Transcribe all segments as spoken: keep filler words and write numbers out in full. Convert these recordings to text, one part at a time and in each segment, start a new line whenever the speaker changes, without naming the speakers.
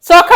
ਸੁੱਖ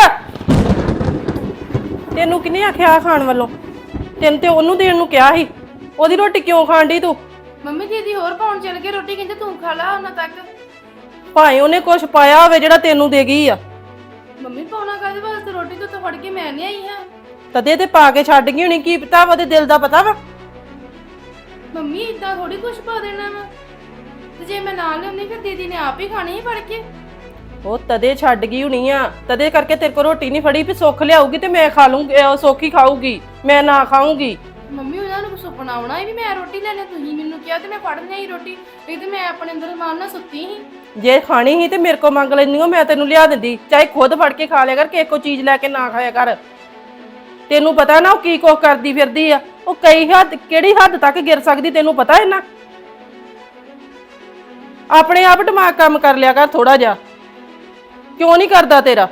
ਤੈਨੂੰ ਕਿਹਨੇ ਆਖਿਆ ਖਾਣ ਵੱਲੋਂ? ਤੈਨੂੰ ਤੇ ਉਹਨੂੰ ਦੇਣ ਨੂੰ ਕਿਹਾ ਸੀ। ਉਹਦੀ ਰੋਟੀ ਕਿਉਂ ਖਾਣ ਡਈ ਤੂੰ?
ਮੰਮੀ ਦੀਦੀ ਹੋਰ ਪਾਉਣ ਚਲ ਕੇ ਰੋਟੀ ਕਹਿੰਦੇ ਤੂੰ ਖਾ ਲਾ ਉਹਨਾਂ ਤੱਕ।
ਭਾਵੇਂ ਉਹਨੇ ਕੁਛ ਪਾਇਆ ਹੋਵੇ ਜਿਹੜਾ ਤੈਨੂੰ ਦੇ ਗਈ ਆ।
ਮੰਮੀ ਪਾਉਣਾ ਕਾਹਦੇ ਵਾਸਤੇ? ਰੋਟੀ ਤੋਂ ਤਾਂ ਫੜ ਕੇ ਮੈਂ ਨਹੀਂ ਆਈ ਹਾਂ।
ਤਦੇ ਤੇ ਪਾ ਕੇ ਛੱਡ ਗਈ ਹੋਣੀ। ਕੀ ਪਤਾ ਉਹਦੇ ਦਿਲ ਦਾ ਪਤਾ ਵਾ।
ਮੰਮੀ ਇਦਾਂ ਥੋੜੀ ਕੁਛ ਪਾ ਦੇਣਾ ਵਾ, ਤੇ ਜੇ ਮੈਂ ਨਾਲ ਲਿਆਉਂਦੀ ਫਿਰ ਦੀਦੀ ਨੇ ਆਪ ਹੀ ਖਾਣੀ ਹੀ ਫੜ ਕੇ।
ਉਹ ਤਦੇ ਛੱਡ ਗਈ ਹੋਣੀ ਆ। ਤਦੇ ਕਰਕੇ ਤੇਰੇ ਕੋਲ ਰੋਟੀ ਨਹੀਂ ਫੜੀ ਵੀ ਸੁੱਖ ਲਿਆਊਗੀ ਤੇ ਮੈਂ ਖਾ ਲੂੰਗੀ, ਉਹ ਸੁੱਖ ਹੀ ਖਾਊਗੀ, ਮੈਂ ਨਾ ਖਾਊਂਗੀ।
ਮੰਮੀ ਉਹਨਾਂ ਨੂੰ ਸੁਪਨਾ ਆਉਣਾ ਵੀ ਮੈਂ ਰੋਟੀ ਲੈਣੀ, ਤੁਸੀਂ ਮੈਨੂੰ ਕਿਹਾ ਤੇ ਮੈਂ ਫੜ ਲਈ ਰੋਟੀ। ਇਹ ਤੇ ਮੈਂ ਆਪਣੇ ਅੰਦਰ ਮਾਨ ਨਾਲ ਸੁੱਤੀ ਸੀ।
ਜੇ ਖਾਣੀ ਸੀ ਤੇ ਮੇਰੇ ਕੋਲ ਮੰਗ ਲੈਂਦੀ ਹੋ, ਮੈਂ ਤੈਨੂੰ ਲਿਆ ਦਿੰਦੀ। ਚਾਹੇ ਖੁਦ ਫੜ ਕੇ ਖਾ ਲਿਆ ਕਰ, ਕਿਸੇ ਕੋ ਚੀਜ਼ ਲੈ ਕੇ ਨਾ ਖਾਇਆ ਕਰ। ਤੈਨੂੰ ਪਤਾ ਨਾ ਉਹ ਕੀ ਕੁਛ ਕਰਦੀ ਫਿਰਦੀ ਆ। ਉਹ ਕਈ ਹੱਦ ਕਿਹੜੀ ਹੱਦ ਤੱਕ ਗਿਰ ਸਕਦੀ ਤੈਨੂੰ ਪਤਾ ਹੈ ਨਾ। ਆਪਣੇ ਆਪ ਦਿਮਾਗ ਕੰਮ ਕਰ ਲਿਆ ਕਰ ਥੋੜਾ ਜਿਹਾ। ਕਿਉਂ ਨਹੀਂ ਕਰਦਾ ਤੇਰਾ?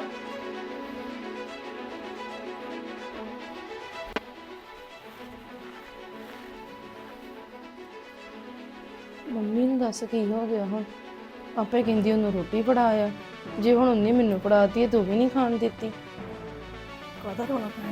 ਮੰਮੀ ਨੂੰ ਦੱਸ ਕੀ ਹੋ ਗਿਆ ਹੁਣ? ਆਪੇ ਕਹਿੰਦੀ ਉਹਨੂੰ ਰੋਟੀ ਫੜਾਇਆ, ਜੇ ਹੁਣ ਉਹਨੇ ਮੈਨੂੰ ਫੜਾਤੀ ਹੈ ਤੂੰ ਵੀ ਨਹੀਂ ਖਾਣ ਦਿੱਤੀ।
ਕਾਹਦਾ ਰੋਣਾ ਪੈਣਾ?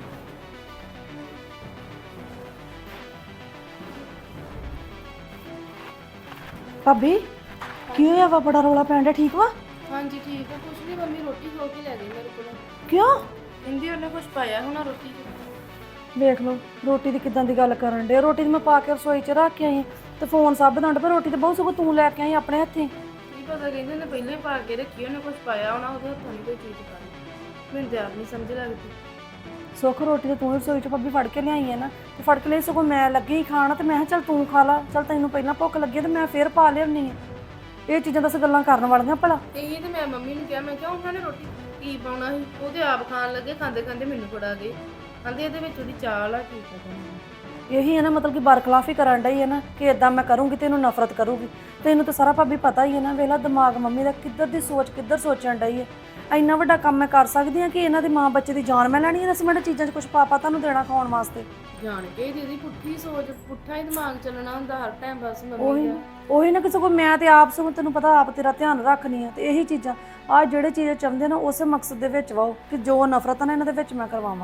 ਭਾਬੀ ਕੀ ਹੋਇਆ ਵਾ? ਬੜਾ ਰੋਲਾ ਪੈਣ ਡਿਆ। ਠੀਕ ਵਾ?
ਹਾਂਜੀ ਠੀਕ ਹੈ, ਕੁਛ ਨਹੀਂ ਮੰਮੀ ਰੋਟੀ ਖੋ ਕੇ ਲੈ ਗਈ ਮੇਰੇ ਕੋਲ।
ਕਿਉਂ?
ਕਹਿੰਦੀ ਉਹਨੇ ਕੁਛ ਪਾਇਆ ਹੋਣਾ ਰੋਟੀ 'ਚ।
ਵੇਖ ਲਓ ਰੋਟੀ ਦੀ ਕਿਦਾਂ ਦੀ ਗੱਲ ਕਰਨ ਡੇ। ਰੋਟੀ ਦੀ ਮੈਂ ਪਾ ਕੇ ਰਸੋਈ 'ਚ ਰੱਖ ਕੇ ਆਈ ਤੇ ਫੋਨ ਸਭ ਦੰਡ ਪਰ ਰੋਟੀ ਤੇ ਬਹੁਤ ਸਗੋਂ ਤੂੰ ਲੈ ਕੇ ਆਈ ਆਪਣੇ ਹੱਥੀਂ।
ਕੀ ਪਤਾ, ਕਹਿੰਦੇ ਨੇ ਪਹਿਲਾਂ ਹੀ ਪਾ ਕੇ ਰੱਖੀ, ਉਹਨੇ ਕੁਛ ਪਾਇਆ ਹੋਣਾ, ਉਹਦੇ ਹੱਥੋਂ ਨਹੀਂ ਕੋਈ ਚੀਜ਼ ਪਾਈ। ਮੈਨੂੰ ਤੇ ਆਪ ਨਹੀਂ ਸਮਝ ਲੱਗਦੀ।
ਸੁੱਖ ਰੋਟੀ ਤੇ ਤੂੰ ਰਸੋਈ 'ਚ ਭਾਬੀ ਫੜ ਕੇ ਲਿਆਈ ਹੈ ਨਾ, ਤੇ ਫੜ ਕੇ ਲਈ ਸਗੋਂ ਮੈਂ ਲੱਗੀ ਖਾਣ ਤੇ ਮੈਂ ਕਿਹਾ ਚੱਲ ਤੂੰ ਖਾ ਲਾ, ਚੱਲ ਤੈਨੂੰ ਪਹਿਲਾਂ ਭੁੱਖ ਲੱਗੀ ਤੇ ਮੈਂ ਫੇਰ ਪਾ ਲਿਆਉਣੀ ਆ। ਇਹ ਚੀਜ਼ਾਂ ਦੱਸ ਗੱਲਾਂ ਕਰਨ ਵਾਲੀਆਂ ਭਲਾ?
ਇਹ ਤੇ ਮੈਂ ਮੰਮੀ ਨੂੰ ਕਿਹਾ, ਮੈਂ ਕਿਹਾ ਉਹਨਾਂ ਨੇ ਰੋਟੀ ਕੀ ਪਾਉਣਾ ਸੀ, ਉਹ ਤੇ ਆਪ ਖਾਣ ਲੱਗੇ, ਖਾਂਦੇ ਖਾਂਦੇ ਮੈਨੂੰ ਫੜਾ ਗਏ। ਕਹਿੰਦੇ ਇਹਦੇ ਵਿੱਚ ਉਹਦੀ ਚਾਲ ਆ, ਕੀ ਪਤਾ।
ਇਹੀ ਹੈ ਨਾ, ਮਤਲਬ ਕਿ ਬਰਖਲਾਫ ਹੀ ਕਰਨ ਡਈ ਹੈ ਨਾ ਕਿ ਇਦਾਂ ਮੈਂ ਕਰੂੰਗੀ ਤੇ ਇਹਨੂੰ ਨਫ਼ਰਤ ਕਰੂਗੀ। ਤੈਨੂੰ ਤਾਂ ਸਾਰਾ ਭਾਬੀ ਪਤਾ ਹੀ ਹੈ ਨਾ। ਵੇਖ ਲਾ ਦਿਮਾਗ ਮੰਮੀ ਦਾ ਕਿੱਧਰ ਦੀ ਸੋਚ ਕਿੱਧਰ ਸੋਚਣ ਡਈ ਹੈ। ਇੰਨਾ ਵੱਡਾ ਕੰਮ ਮੈਂ ਕਰ ਸਕਦੀ ਹਾਂ ਕਿ ਇਹਨਾਂ ਦੀ ਮਾਂ ਬੱਚੇ ਦੀ ਜਾਨ ਮੈਂ ਲੈਣੀ ਹੈ? ਦਸ ਮਿੰਟ ਚੀਜ਼ਾਂ 'ਚ ਕੁਛ ਪਾਪਾ ਤੁਹਾਨੂੰ ਦੇਣਾ ਖਾਣ ਵਾਸਤੇ?
ਜਾਣ ਕੇ ਦੀਦੀ ਪੁੱਠੀ ਸੋਚ, ਪੁੱਠਾ ਹੀ ਦਿਮਾਗ ਚੱਲਣਾ ਹੁੰਦਾ ਹਰ ਟਾਈਮ ਬਸ ਮੰਮੀ
ਉਹੀ
ਦਾ।
ਉਹੀ ਨਾ ਕਿ ਸਗੋਂ ਮੈਂ ਤੇ ਆਪ ਸਗੋਂ ਤੈਨੂੰ ਪਤਾ ਆਪ ਤੇਰਾ ਧਿਆਨ ਰੱਖਣੀ ਆ। ਤੇ ਇਹੀ ਚੀਜ਼ਾਂ ਆਹ ਜਿਹੜੇ ਚੀਜ਼ਾਂ ਚਾਹੁੰਦੇ ਨਾ ਉਸੇ ਮਕਸਦ ਦੇ ਵਿੱਚ ਵਾਓ ਕਿ ਜੋ ਨਫ਼ਰਤ ਨਾ ਇਹਨਾਂ ਦੇ ਵਿੱਚ ਮੈਂ ਕਰਵਾਵਾਂ।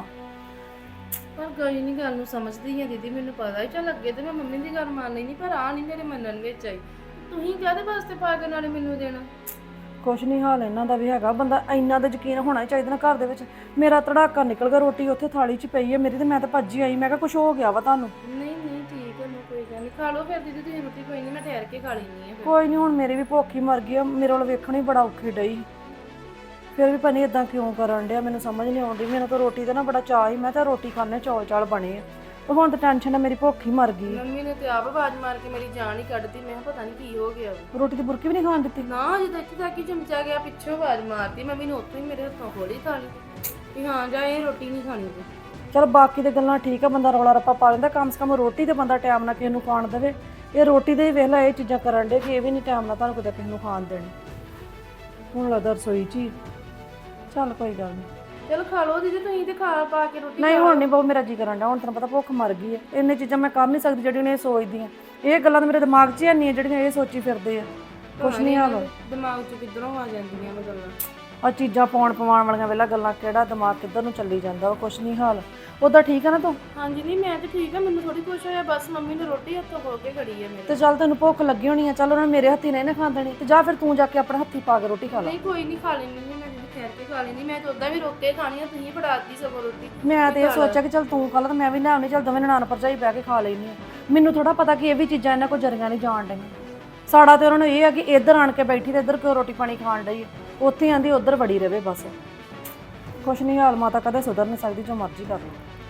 ਪਰ ਕੋਈ ਨਹੀਂ ਗੱਲ ਨੂੰ ਸਮਝਦੀ ਹੈ ਦੀਦੀ, ਮੈਨੂੰ ਪਤਾ ਹੀ। ਚੱਲ ਅੱਗੇ ਤੇ ਮੈਂ ਮੰਮੀ ਦੀ ਗੱਲ ਮੰਨ ਲੈਣੀ, ਪਰ ਆ ਨਹੀਂ ਮੇਰੇ ਮੰਨਣ ਵਿੱਚ ਆਈ। ਤੁਸੀਂ ਕਾਹਦੇ ਵਾਸਤੇ ਪਾ ਕੇ ਨਾਲੇ ਮੈਨੂੰ ਦੇਣਾ?
ਕੁਛ ਨਹੀਂ ਹਾਲ ਇਹਨਾਂ ਦਾ ਵੀ ਹੈਗਾ। ਬੰਦਾ ਇੰਨਾ ਦਾ ਯਕੀਨ ਹੋਣਾ ਹੀ ਚਾਹੀਦਾ ਨਾ ਘਰ ਦੇ ਵਿੱਚ। ਮੇਰਾ ਧੜਾਕਾ ਨਿਕਲ ਗਿਆ, ਰੋਟੀ ਉੱਥੇ ਥਾਲੀ 'ਚ ਪਈ ਹੈ ਮੇਰੀ ਤੇ ਮੈਂ ਤਾਂ ਭੱਜੀ ਆਈ। ਮੈਂ ਕਿਹਾ ਕੁਛ ਹੋ ਗਿਆ ਵਾ ਤੁਹਾਨੂੰ।
ਨਹੀਂ ਨਹੀਂ ਠੀਕ ਹੈ, ਮੈਂ ਕੋਈ ਗੱਲ ਨਹੀਂ, ਖਾ ਲਓ ਫਿਰ ਦੀਦੀ ਤੁਸੀਂ ਰੋਟੀ। ਕੋਈ ਨਹੀਂ ਮੈਂ ਠਹਿਰ ਕੇ ਖਾ ਲੈਣੀ ਹੈ।
ਕੋਈ ਨਹੀਂ, ਹੁਣ ਮੇਰੀ ਵੀ ਭੁੱਖ ਹੀ ਮਰ ਗਈ ਆ। ਮੇਰੇ ਵੱਲ ਵੇਖਣ ਹੀ ਬੜਾ ਔਖੀ ਡਈ। ਫਿਰ ਵੀ ਪਤਾ ਇਦਾਂ ਕਿਉਂ ਕਰਨ ਡਿਆ ਮੈਨੂੰ ਸਮਝ ਨਹੀਂ ਆਉਂਦੀ। ਮੈਨੂੰ ਤਾਂ ਰੋਟੀ ਦਾ ਨਾ ਬੜਾ ਚਾਅ ਸੀ, ਮੈਂ ਤਾਂ ਰੋਟੀ ਖਾਣੇ ਚੌਲ ਚਾਲ ਬਣੇ ਆ। ਤੇ ਹੁਣ ਤਾਂ ਟੈਨਸ਼ਨ ਹੈ, ਮੇਰੀ ਭੁੱਖ ਹੀ ਮਰ ਗਈ।
ਮੰਮੀ ਨੇ ਤੇ ਆਪ ਆਵਾਜ਼ ਮਾਰ ਕੇ ਮੇਰੀ ਜਾਨ ਹੀ ਕੱਢਤੀ। ਮੈਂ ਕਿਹਾ ਪਤਾ ਨਹੀਂ ਕੀ ਹੋ ਗਿਆ।
ਰੋਟੀ ਦੀ ਬੁਰਕੀ ਵੀ ਨਹੀਂ ਖਾਣ ਦਿੱਤੀ?
ਨਾ ਜਦੋਂ ਇੱਥੇ ਤੱਕ ਹੀ ਚਮਚਾ ਗਿਆ, ਪਿੱਛੋਂ ਆਵਾਜ਼ ਮਾਰਤੀ ਮੰਮੀ ਨੇ, ਉੱਥੋਂ ਹੀ ਮੇਰੇ ਹੱਥੋਂ ਖੋਲੀ ਥਾਲੀ ਵੀ ਹਾਂ ਜਾ ਇਹ ਰੋਟੀ ਨਹੀਂ ਖਾਣੀ ਤੂੰ।
ਚਲ ਬਾਕੀ ਦੇ ਗੱਲਾਂ ਠੀਕ ਆ, ਬੰਦਾ ਰੌਲਾ ਰੱਪਾ ਪਾ ਲੈਂਦਾ। ਕਮ ਸੇ ਕਮ ਰੋਟੀ ਤੇ ਬੰਦਾ ਟਾਈਮ ਨਾਲ ਕਿਸੇ ਨੂੰ ਖਾਣ ਦੇਵੇ। ਇਹ ਰੋਟੀ ਦੇ ਹੀ ਵੇਖ ਲਾ ਇਹ ਚੀਜ਼ਾਂ ਕਰਨ ਡੇ ਕਿ ਇਹ ਵੀ ਨਹੀਂ ਟਾਈਮ ਨਾਲ ਤੁਹਾਨੂੰ ਕਿਤੇ ਕਿਸੇ ਨੂੰ ਖਾਣ ਦੇਣੀ। ਹੁਣ ਲੱਗਦਾ ਰਸੋਈ 'ਚ ਹੀ। ਚੱਲ ਕੋਈ ਗੱਲ ਨਹੀਂ,
ਚਲੋ ਖਾ ਲਓ ਦੀਦੀ ਤੁਸੀਂ ਤੇ ਖਾ ਪਾ ਕੇ ਰੋਟੀ।
ਨਹੀਂ ਹੁਣ ਨਹੀਂ ਬਹੁਤ ਮੇਰਾ ਜੀ ਕਰਨ ਡਿਆ। ਹੁਣ ਤੈਨੂੰ ਪਤਾ ਭੁੱਖ ਮਰ ਗਈ ਹੈ। ਇੰਨੇ ਚੀਜ਼ਾਂ ਮੈਂ ਕਰ ਨਹੀਂ ਸਕਦੀ ਜਿਹੜੀਆਂ ਇਹ ਸੋਚਦੀਆਂ। ਇਹ ਗੱਲਾਂ ਤਾਂ ਮੇਰੇ ਦਿਮਾਗ 'ਚ ਹੀ ਨਹੀਂ ਹੈ ਜਿਹੜੀਆਂ ਇਹ ਸੋਚੀ ਫਿਰਦੇ ਆ। ਕੁਛ ਨਹੀਂ ਹਾਲ
ਦਿਮਾਗ 'ਚ ਕਿੱਧਰੋਂ ਆ ਜਾਂਦੀਆਂ ਨੇ ਗੱਲਾਂ।
ਆ ਚੀਜ਼ਾਂ ਪਾਉਣ ਪਵਾਉਣ ਵਾਲੀਆਂ ਵੇਲਾ ਗੱਲਾਂ, ਕਿਹੜਾ ਦਿਮਾਗ ਕਿੱਧਰ ਨੂੰ ਚੱਲੀ ਜਾਂਦਾ ਵਾ। ਕੁਛ ਨਹੀਂ ਹਾਲ। ਉਹਦਾ ਠੀਕ ਆ ਨਾ ਤੂੰ?
ਹਾਂਜੀ ਨਹੀਂ ਮੈਂ ਤੇ ਠੀਕ ਆ, ਮੈਨੂੰ ਥੋੜੀ ਕੁਛ ਹੋਇਆ, ਬਸ ਮੰਮੀ ਨੇ ਰੋਟੀ ਹੱਥੋਂ ਖੋ ਕੇ ਖੜੀ ਹੈ ਮੇਰੇ।
ਤੇ ਚੱਲ ਤੈਨੂੰ ਭੁੱਖ ਲੱਗੀ ਹੋਣੀ ਆ, ਚੱਲ ਉਹਨਾਂ ਨੇ ਮੇਰੇ ਹੱਥੀ ਨਹੀਂ ਨਾ ਖਾਣ ਦੇਣੀ। ਤੇ ਜਾ ਫਿਰ ਤੂੰ ਜਾ ਕੇ ਆਪਣੇ ਹੱਥੀ ਪਾ ਕੇ ਰੋਟੀ ਖਾ ਲੈ।
ਨਹੀਂ ਕੋਈ ਨਹੀਂ, ਖਾ ਲੈਣੀ ਹੈ ਮੈਂ, ਦੀਦੀ ਠਹਿਰ ਕੇ ਖਾ ਲੈਣੀ। ਮੈਂ ਤਾਂ ਉਦਾਂ ਵੀ ਰੋਕ ਕੇ ਖਾਣੀ ਆ, ਤੁਸੀਂ ਫੜਾਤੀ ਸਗੋਂ ਰੋਟੀ।
ਮੈਂ ਤੇ ਇਹ ਸੋਚਿਆ ਕਿ ਚੱਲ ਤੂੰ ਖਾ ਲੈ ਤੇ ਮੈਂ ਵੀ ਲੈ ਆਉਣੀ। ਚੱਲ ਦੋਵੇਂ ਨਨਾਣ ਭਰਜਾਈ ਬਹਿ ਕੇ ਖਾ ਲੈਣੀ ਆ। ਮੈਨੂੰ ਥੋੜਾ ਪਤਾ ਕਿ ਇਹ ਵੀ ਚੀਜ਼ਾਂ ਇਹਨਾਂ ਕੋਲ ਜਰੀਆਂ ਨਹੀਂ ਜਾਣ ਡਈਆਂ। ਸਾਡਾ ਤੇ ਉਹਨਾਂ ਨੂੰ ਇਹ ਆ ਕਿ ਇੱਧਰ ਆਣ ਕੇ ਬੈਠੀ ਤੇ ਇੱਧਰ ਕਿਉਂ ਰੋਟੀ ਪਾਣੀ ਖਾਣ ਡਈ, ਉੱਥੇ ਆਂਦੀ ਉੱਧਰ ਵੜੀ ਰਵੇ ਬਸ। ਕੁਛ ਨਹੀਂ ਹਾਲ, ਮਾਤਾ ਕਦੇ ਸੁਧਰ ਨਹੀਂ ਸਕਦੀ, ਜੋ ਮਰਜ਼ੀ ਕਰ ਲਓ।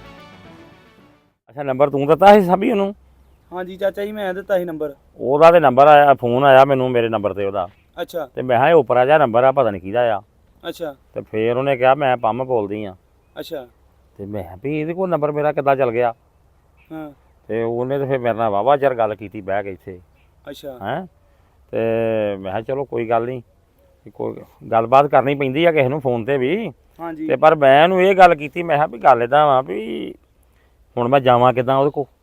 ਅੱਛਾ ਨੰਬਰ ਤੂੰ ਦਿੱਤਾ ਸੀ ਸਭੀ ਉਹਨੂੰ?
ਹਾਂਜੀ ਚਾਚਾ ਜੀ ਮੈਂ ਦਿੱਤਾ ਸੀ ਨੰਬਰ।
ਉਹਦਾ ਤੇ ਨੰਬਰ ਆਇਆ, ਫੋਨ ਆਇਆ ਮੈਨੂੰ ਮੇਰੇ ਨੰਬਰ ਤੇ ਉਹਦਾ।
ਅੱਛਾ
ਤੇ ਮੈਂ ਕਿਹਾ ਇਹ ਉਪਰਾ ਜਿਹਾ ਨੰਬਰ ਆ, ਪਤਾ ਨਹੀਂ ਕਿਹਦਾ ਆ।
ਅੱਛਾ
ਤੇ ਫੇਰ ਉਹਨੇ ਕਿਹਾ ਮੈਂ ਪੰਮ ਬੋਲਦੀ ਆ।
ਅੱਛਾ
ਤੇ ਮੈਂ ਕਿਹਾ ਵੀ ਇਹਦੇ ਕੋਲ ਨੰਬਰ ਮੇਰਾ ਕਿੱਦਾਂ ਚੱਲ ਗਿਆ?
ਹਾਂ
ਤੇ ਉਹਨੇ ਤੇ ਫਿਰ ਮੇਰੇ ਨਾਲ ਵਾਹਵਾ ਚਿਰ ਗੱਲ ਕੀਤੀ ਬਹਿ ਕੇ ਇੱਥੇ।
ਅੱਛਾ
ਹੈਂ ਤੇ ਮੈਂ ਕਿਹਾ ਚਲੋ ਕੋਈ ਗੱਲ ਨਹੀਂ, ਕੋਈ ਗੱਲਬਾਤ ਕਰਨੀ ਪੈਂਦੀ ਆ ਕਿਸੇ ਨੂੰ ਫੋਨ ਤੇ ਵੀ।
ਹਾਂਜੀ
ਤੇ ਪਰ ਮੈਂ ਇਹਨੂੰ ਇਹ ਗੱਲ ਕੀਤੀ, ਮੈਂ ਕਿਹਾ ਵੀ ਗੱਲ ਇੱਦਾਂ ਵਾ ਵੀ ਹੁਣ ਮੈਂ ਜਾਵਾਂ ਕਿੱਦਾਂ ਉਹਦੇ ਕੋਲ?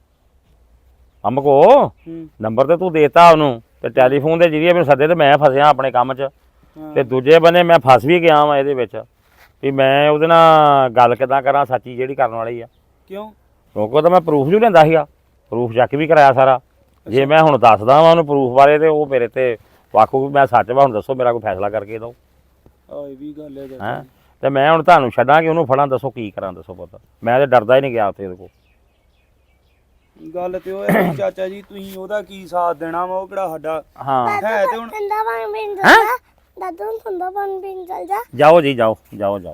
ਅੰਬ ਕੋ
ਹੂੰ
ਨੰਬਰ ਤੇ ਤੂੰ ਦੇਤਾ ਉਹਨੂੰ, ਤੇ ਟੈਲੀਫੋਨ ਦੇ ਜਰੀਏ ਮੈਨੂੰ ਸੱਦੇ ਤੇ ਮੈਂ ਫਸਿਆ ਆਪਣੇ ਕੰਮ 'ਚ।
ਹਾਂ
ਤੇ ਦੂਜੇ ਬੰਨੇ ਮੈਂ ਫਸ ਵੀ ਗਿਆ ਵਾਂ ਇਹਦੇ ਵਿੱਚ। ਵੀ ਮੈਂ ਉਹਦੇ ਨਾਲ ਗੱਲ ਕਿੱਦਾਂ ਕਰਾਂ ਸੱਚੀ ਜਿਹੜੀ ਕਰਨ ਵਾਲੀ ਆ।
ਕਿਉਂ?
ਕਿਉਂਕਿ ਉਹ ਤਾਂ ਮੈਂ ਪ੍ਰੂਫ ਵੀ ਲੈਂਦਾ ਸੀਗਾ, ਪ੍ਰੂਫ ਚੈੱਕ ਵੀ ਕਰਾਇਆ ਸਾਰਾ। ਜੇ ਮੈਂ ਹੁਣ ਦੱਸਦਾ ਵਾਂ ਉਹਨੂੰ ਪ੍ਰੂਫ ਬਾਰੇ ਤੇ ਉਹ ਮੇਰੇ ਤੇ ਵਾਕੂ ਵੀ ਮੈਂ ਸੱਚ ਵਾ, ਹੁਣ ਦੱਸੋ ਮੇਰਾ ਕੋਈ ਫੈਸਲਾ ਕਰਕੇ ਦਿਓ।
ਆ ਇਹ ਵੀ ਗੱਲ ਹੈ ਚਾਚਾ
ਹੈਂ ਤੇ ਮੈਂ ਹੁਣ ਤੁਹਾਨੂੰ ਛੱਡਾਂ ਕਿ ਉਹਨੂੰ ਫੜਾਂ, ਦੱਸੋ ਕੀ ਕਰਾਂ, ਦੱਸੋ ਪਤਾ। ਮੈਂ ਤੇ ਡਰਦਾ ਹੀ ਨਹੀਂ ਗਿਆ ਉੱਥੇ ਉਹਦੇ ਕੋਲ।
ਜੀ। ਗੱਲ ਤੇ ਉਹ ਹੈ ਵੀ ਚਾਚਾ ਜੀ ਤੁਸੀਂ ਉਹਦਾ ਕੀ ਸਾਥ ਦੇਣਾ ਵਾ, ਉਹ ਕਿਹੜਾ ਸਾਡਾ
ਹਾਂ
ਹੈ ਤੇ ਹੁਣ
ਠੰਡਾ ਪਾਣੀ ਪੀਣ ਚੱਲ ਜਾ ਦਾਦੂ ਨੂੰ ਠੰਡਾ ਪਾਣੀ ਪੀਣ ਚੱਲ ਜਾ।
ਜਾਓ ਜੀ, ਜਾਓ ਜਾਓ ਜਾਓ।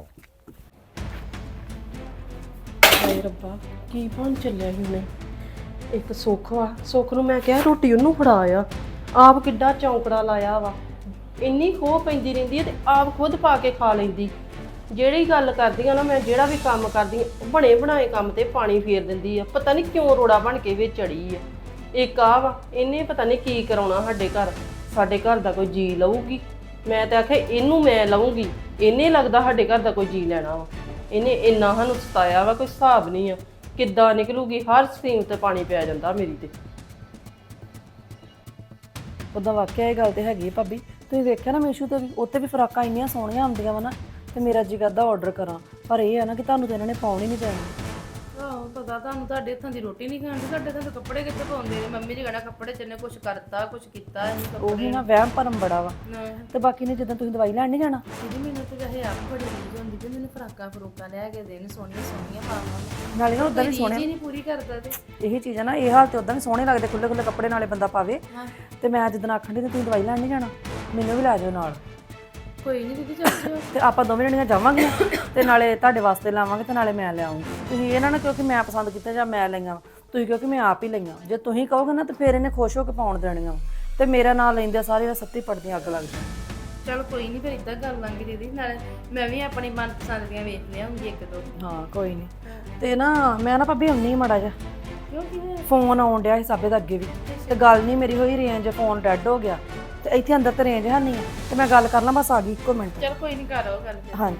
ਹਾਏ ਰੱਬਾ ਕੀ ਬਣ ਚੱਲਿਆ ਸੀ ਉਹਨੇ। ਇੱਕ ਸੁੱਖ ਵਾ, ਸੁੱਖ ਨੂੰ ਮੈਂ ਕਿਹਾ ਰੋਟੀ ਉਹਨੂੰ ਫੜਾ ਆ, ਆਪ ਕਿੱਡਾ ਚੌਂਕੜਾ ਲਾਇਆ ਵਾ। ਇੰਨੀ ਖੋਹ ਪੈਂਦੀ ਰਹਿੰਦੀ ਹੈ ਤੇ ਆਪ ਖੁਦ ਪਾ ਕੇ ਖਾ ਲੈਂਦੀ। ਜਿਹੜੀ ਗੱਲ ਕਰਦੀ ਆ ਨਾ ਮੈਂ, ਜਿਹੜਾ ਵੀ ਕੰਮ ਕਰਦੀ ਆ, ਬਣੇ ਬਣਾਏ ਕੰਮ ਤੇ ਪਾਣੀ ਫੇਰ ਦਿੰਦੀ ਆ। ਪਤਾ ਨਹੀਂ ਕਿਉਂ ਰੋੜਾ ਬਣ ਕੇ ਵਿੱਚ ਚੜੀ ਆ। ਇੱਕ ਆ ਵਾ, ਇਹਨੇ ਪਤਾ ਨਹੀਂ ਕੀ ਕਰਾਉਣਾ ਸਾਡੇ ਘਰ। ਸਾਡੇ ਘਰ ਦਾ ਕੋਈ ਜੀ ਲਊਗੀ, ਮੈਂ ਤਾਂ ਆਖਿਆ ਇਹਨੂੰ ਮੈਂ ਲਊਂਗੀ, ਇਹਨੇ ਲੱਗਦਾ ਸਾਡੇ ਘਰ ਦਾ ਕੋਈ ਜੀ ਲੈਣਾ ਵਾ। ਇਹਨੇ ਇੰਨਾ ਸਾਨੂੰ ਸਤਾਇਆ ਵਾ, ਕੋਈ ਹਿਸਾਬ ਨਹੀਂ ਆ। ਕਿੱਦਾਂ ਨਿਕਲੂਗੀ, ਹਰ ਸਕੀਮ ਤੇ ਪਾਣੀ ਪਿਆ ਜਾਂਦਾ ਮੇਰੀ ਤੇ।
ਉਦਾਂ ਵਾਕਿਆ ਇਹ ਗੱਲ ਤੇ ਹੈਗੀ ਭਾਬੀ, ਤੁਸੀਂ ਵੇਖਿਆ ਨਾ ਮੀਸ਼ੂ ਤੇ ਵੀ, ਉੱਤੇ ਵੀ ਫਰਾਕਾਂ ਇੰਨੀਆਂ ਸੋਹਣੀਆਂ ਆਉਂਦੀਆਂ ਵਾ ਨਾ, ਤੇ ਮੇਰਾ ਜੀ ਕਰਦਾ ਆਰਡਰ ਕਰਾਂ, ਪਰ ਇਹ ਹੈ ਨਾ ਕਿ ਤੁਹਾਨੂੰ ਤਾਂ ਇਹਨਾਂ ਨੇ ਪਾਉਣ ਹੀ ਨਹੀਂ ਦੇਣੀ।
ਆਹੋ ਪਤਾ ਤੁਹਾਨੂੰ, ਤੁਹਾਡੇ ਹੱਥਾਂ ਦੀ ਰੋਟੀ ਨਹੀਂ ਖਾਂਦੀ, ਸਾਡੇ ਹੱਥਾਂ ਦੇ ਕੱਪੜੇ ਕਿੱਥੇ ਪਾਉਂਦੇ ਨੇ। ਮੰਮੀ ਜੀ ਕਹਿਣਾ ਕੱਪੜੇ ਚ ਇਹਨੇ ਕੁਛ ਕਰਤਾ ਕੁਛ ਕੀਤਾ ਨਹੀਂ ਕੱਪੜੇ।
ਉਹੀ ਨਾ ਵਹਿਮ ਭਰਮ ਬੜਾ ਵਾ।
ਨਾ
ਤੇ ਬਾਕੀ ਨੇ ਜਦੋਂ ਤੁਸੀਂ ਦਵਾਈ ਲੈਣ ਨਹੀਂ ਜਾਣਾ,
ਦੀਦੀ ਮੈਨੂੰ ਤੇ ਵੈਸੇ ਆਪ ਬੜੀ ਰੀਝ ਹੁੰਦੀ ਤੇ ਮੈਨੂੰ ਫਰਾਕਾਂ ਫਰੂਕਾਂ ਲੈ ਕੇ ਦੇਣ, ਸੋਹਣੀਆਂ ਸੋਹਣੀਆਂ ਪਾਵਾਂ।
ਨਾਲੇ ਨਾ ਉਦਾਂ ਵੀ
ਰੀਝ
ਸੋਹਣੇ,
ਹੀ ਨਹੀਂ ਪੂਰੀ ਕਰਦਾ ਤੇ
ਇਹੀ ਚੀਜ਼ ਹੈ ਨਾ, ਇਹ ਹਾਲ ਤੇ ਉਦਾਂ ਵੀ ਸੋਹਣੇ ਲੱਗਦੇ, ਖੁੱਲੇ ਖੁੱਲੇ ਕੱਪੜੇ ਨਾਲੇ ਬੰਦਾ ਪਾਵੇ। ਤੇ ਮੈਂ ਜਦੋਂ ਆਖਣ ਦੀ ਤੇ ਤੁਸੀਂ ਦਵਾਈ ਲੈਣ ਨਹੀਂ ਜਾਣਾ, ਮੈਨੂੰ ਵੀ ਲੈ ਜਾਓ ਨਾਲ।
ਕੋਈ ਨਹੀਂ ਦੀਦੀ ਚੱਲ ਜਿਓ।
ਤੇ ਆਪਾਂ ਦੋਵੇਂ ਜਣੀਆਂ ਜਾਵਾਂਗੀਆਂ ਤੇ ਨਾਲੇ ਤੁਹਾਡੇ ਵਾਸਤੇ ਲਾਵਾਂਗੇ ਤੇ ਨਾਲੇ ਮੈਂ ਲਿਆਉਂਗੀ। ਤੁਸੀਂ ਇਹਨਾਂ ਨਾ ਕਿਉਂਕਿ ਮੈਂ ਪਸੰਦ ਕੀਤਾ ਜਾਂ ਮੈਂ ਲਈਆਂ, ਤੁਸੀਂ ਕਿਉਂਕਿ ਮੈਂ ਆਪ ਹੀ ਲਈਆਂ। ਜੇ ਤੁਸੀਂ ਕਹੋਗੇ ਨਾ ਤੇ ਫਿਰ ਇਹਨੇ ਖੁਸ਼ ਹੋ ਕੇ ਪਾਉਣ ਦੇਣੀਆਂ, ਤੇ ਮੇਰਾ ਨਾਂ ਲੈਂਦੇ ਸਾਰੇ ਸੱਤੀ ਪੜਦੀਆਂ ਅੱਗ ਲੱਗ ਜਾਂਦੀ।
ਚਲ ਕੋਈ ਨਹੀਂ, ਫਿਰ ਇਦਾਂ ਕਰ ਲਾਂਗੇ ਦੀਦੀ। ਨਾਲੇ ਮੈਂ ਵੀ ਆਪਣੀ ਮਨਪਸੰਦ ਦੀਆਂ ਵੇਖ ਲਿਆਉਂਗੀ ਇੱਕ ਦੋ।
ਹਾਂ ਕੋਈ ਨਹੀਂ। ਤੇ ਨਾ ਮੈਂ ਨਾ ਭਾਬੀ ਹੁੰਨੀ ਮਾੜਾ ਜਿਹਾ
ਕਿਉਂ ਕੀ ਹੋਇਆ?
ਫੋਨ ਆਉਣ ਡਿਆ ਸੀ ਸਾਬੇ ਦਾ ਅੱਗੇ ਵੀ, ਤੇ ਗੱਲ ਨਹੀਂ ਮੇਰੀ ਹੋਈ, ਰੇਂਜ ਫੋਨ ਡੈਡ ਹੋ ਗਿਆ ਤੇ ਇੱਥੇ ਅੰਦਰ ਤੇ ਰੇਂਜ ਹੈ ਨਹੀਂ ਹੈ, ਤੇ ਮੈਂ ਗੱਲ ਕਰ ਲਾਂ ਬਸ ਆ ਗਈ ਇੱਕੋ ਮਿੰਟ।
ਚਲ ਕੋਈ ਨਹੀਂ, ਕਰੋ ਗੱਲ ਫਿਰ।
ਹਾਂਜੀ।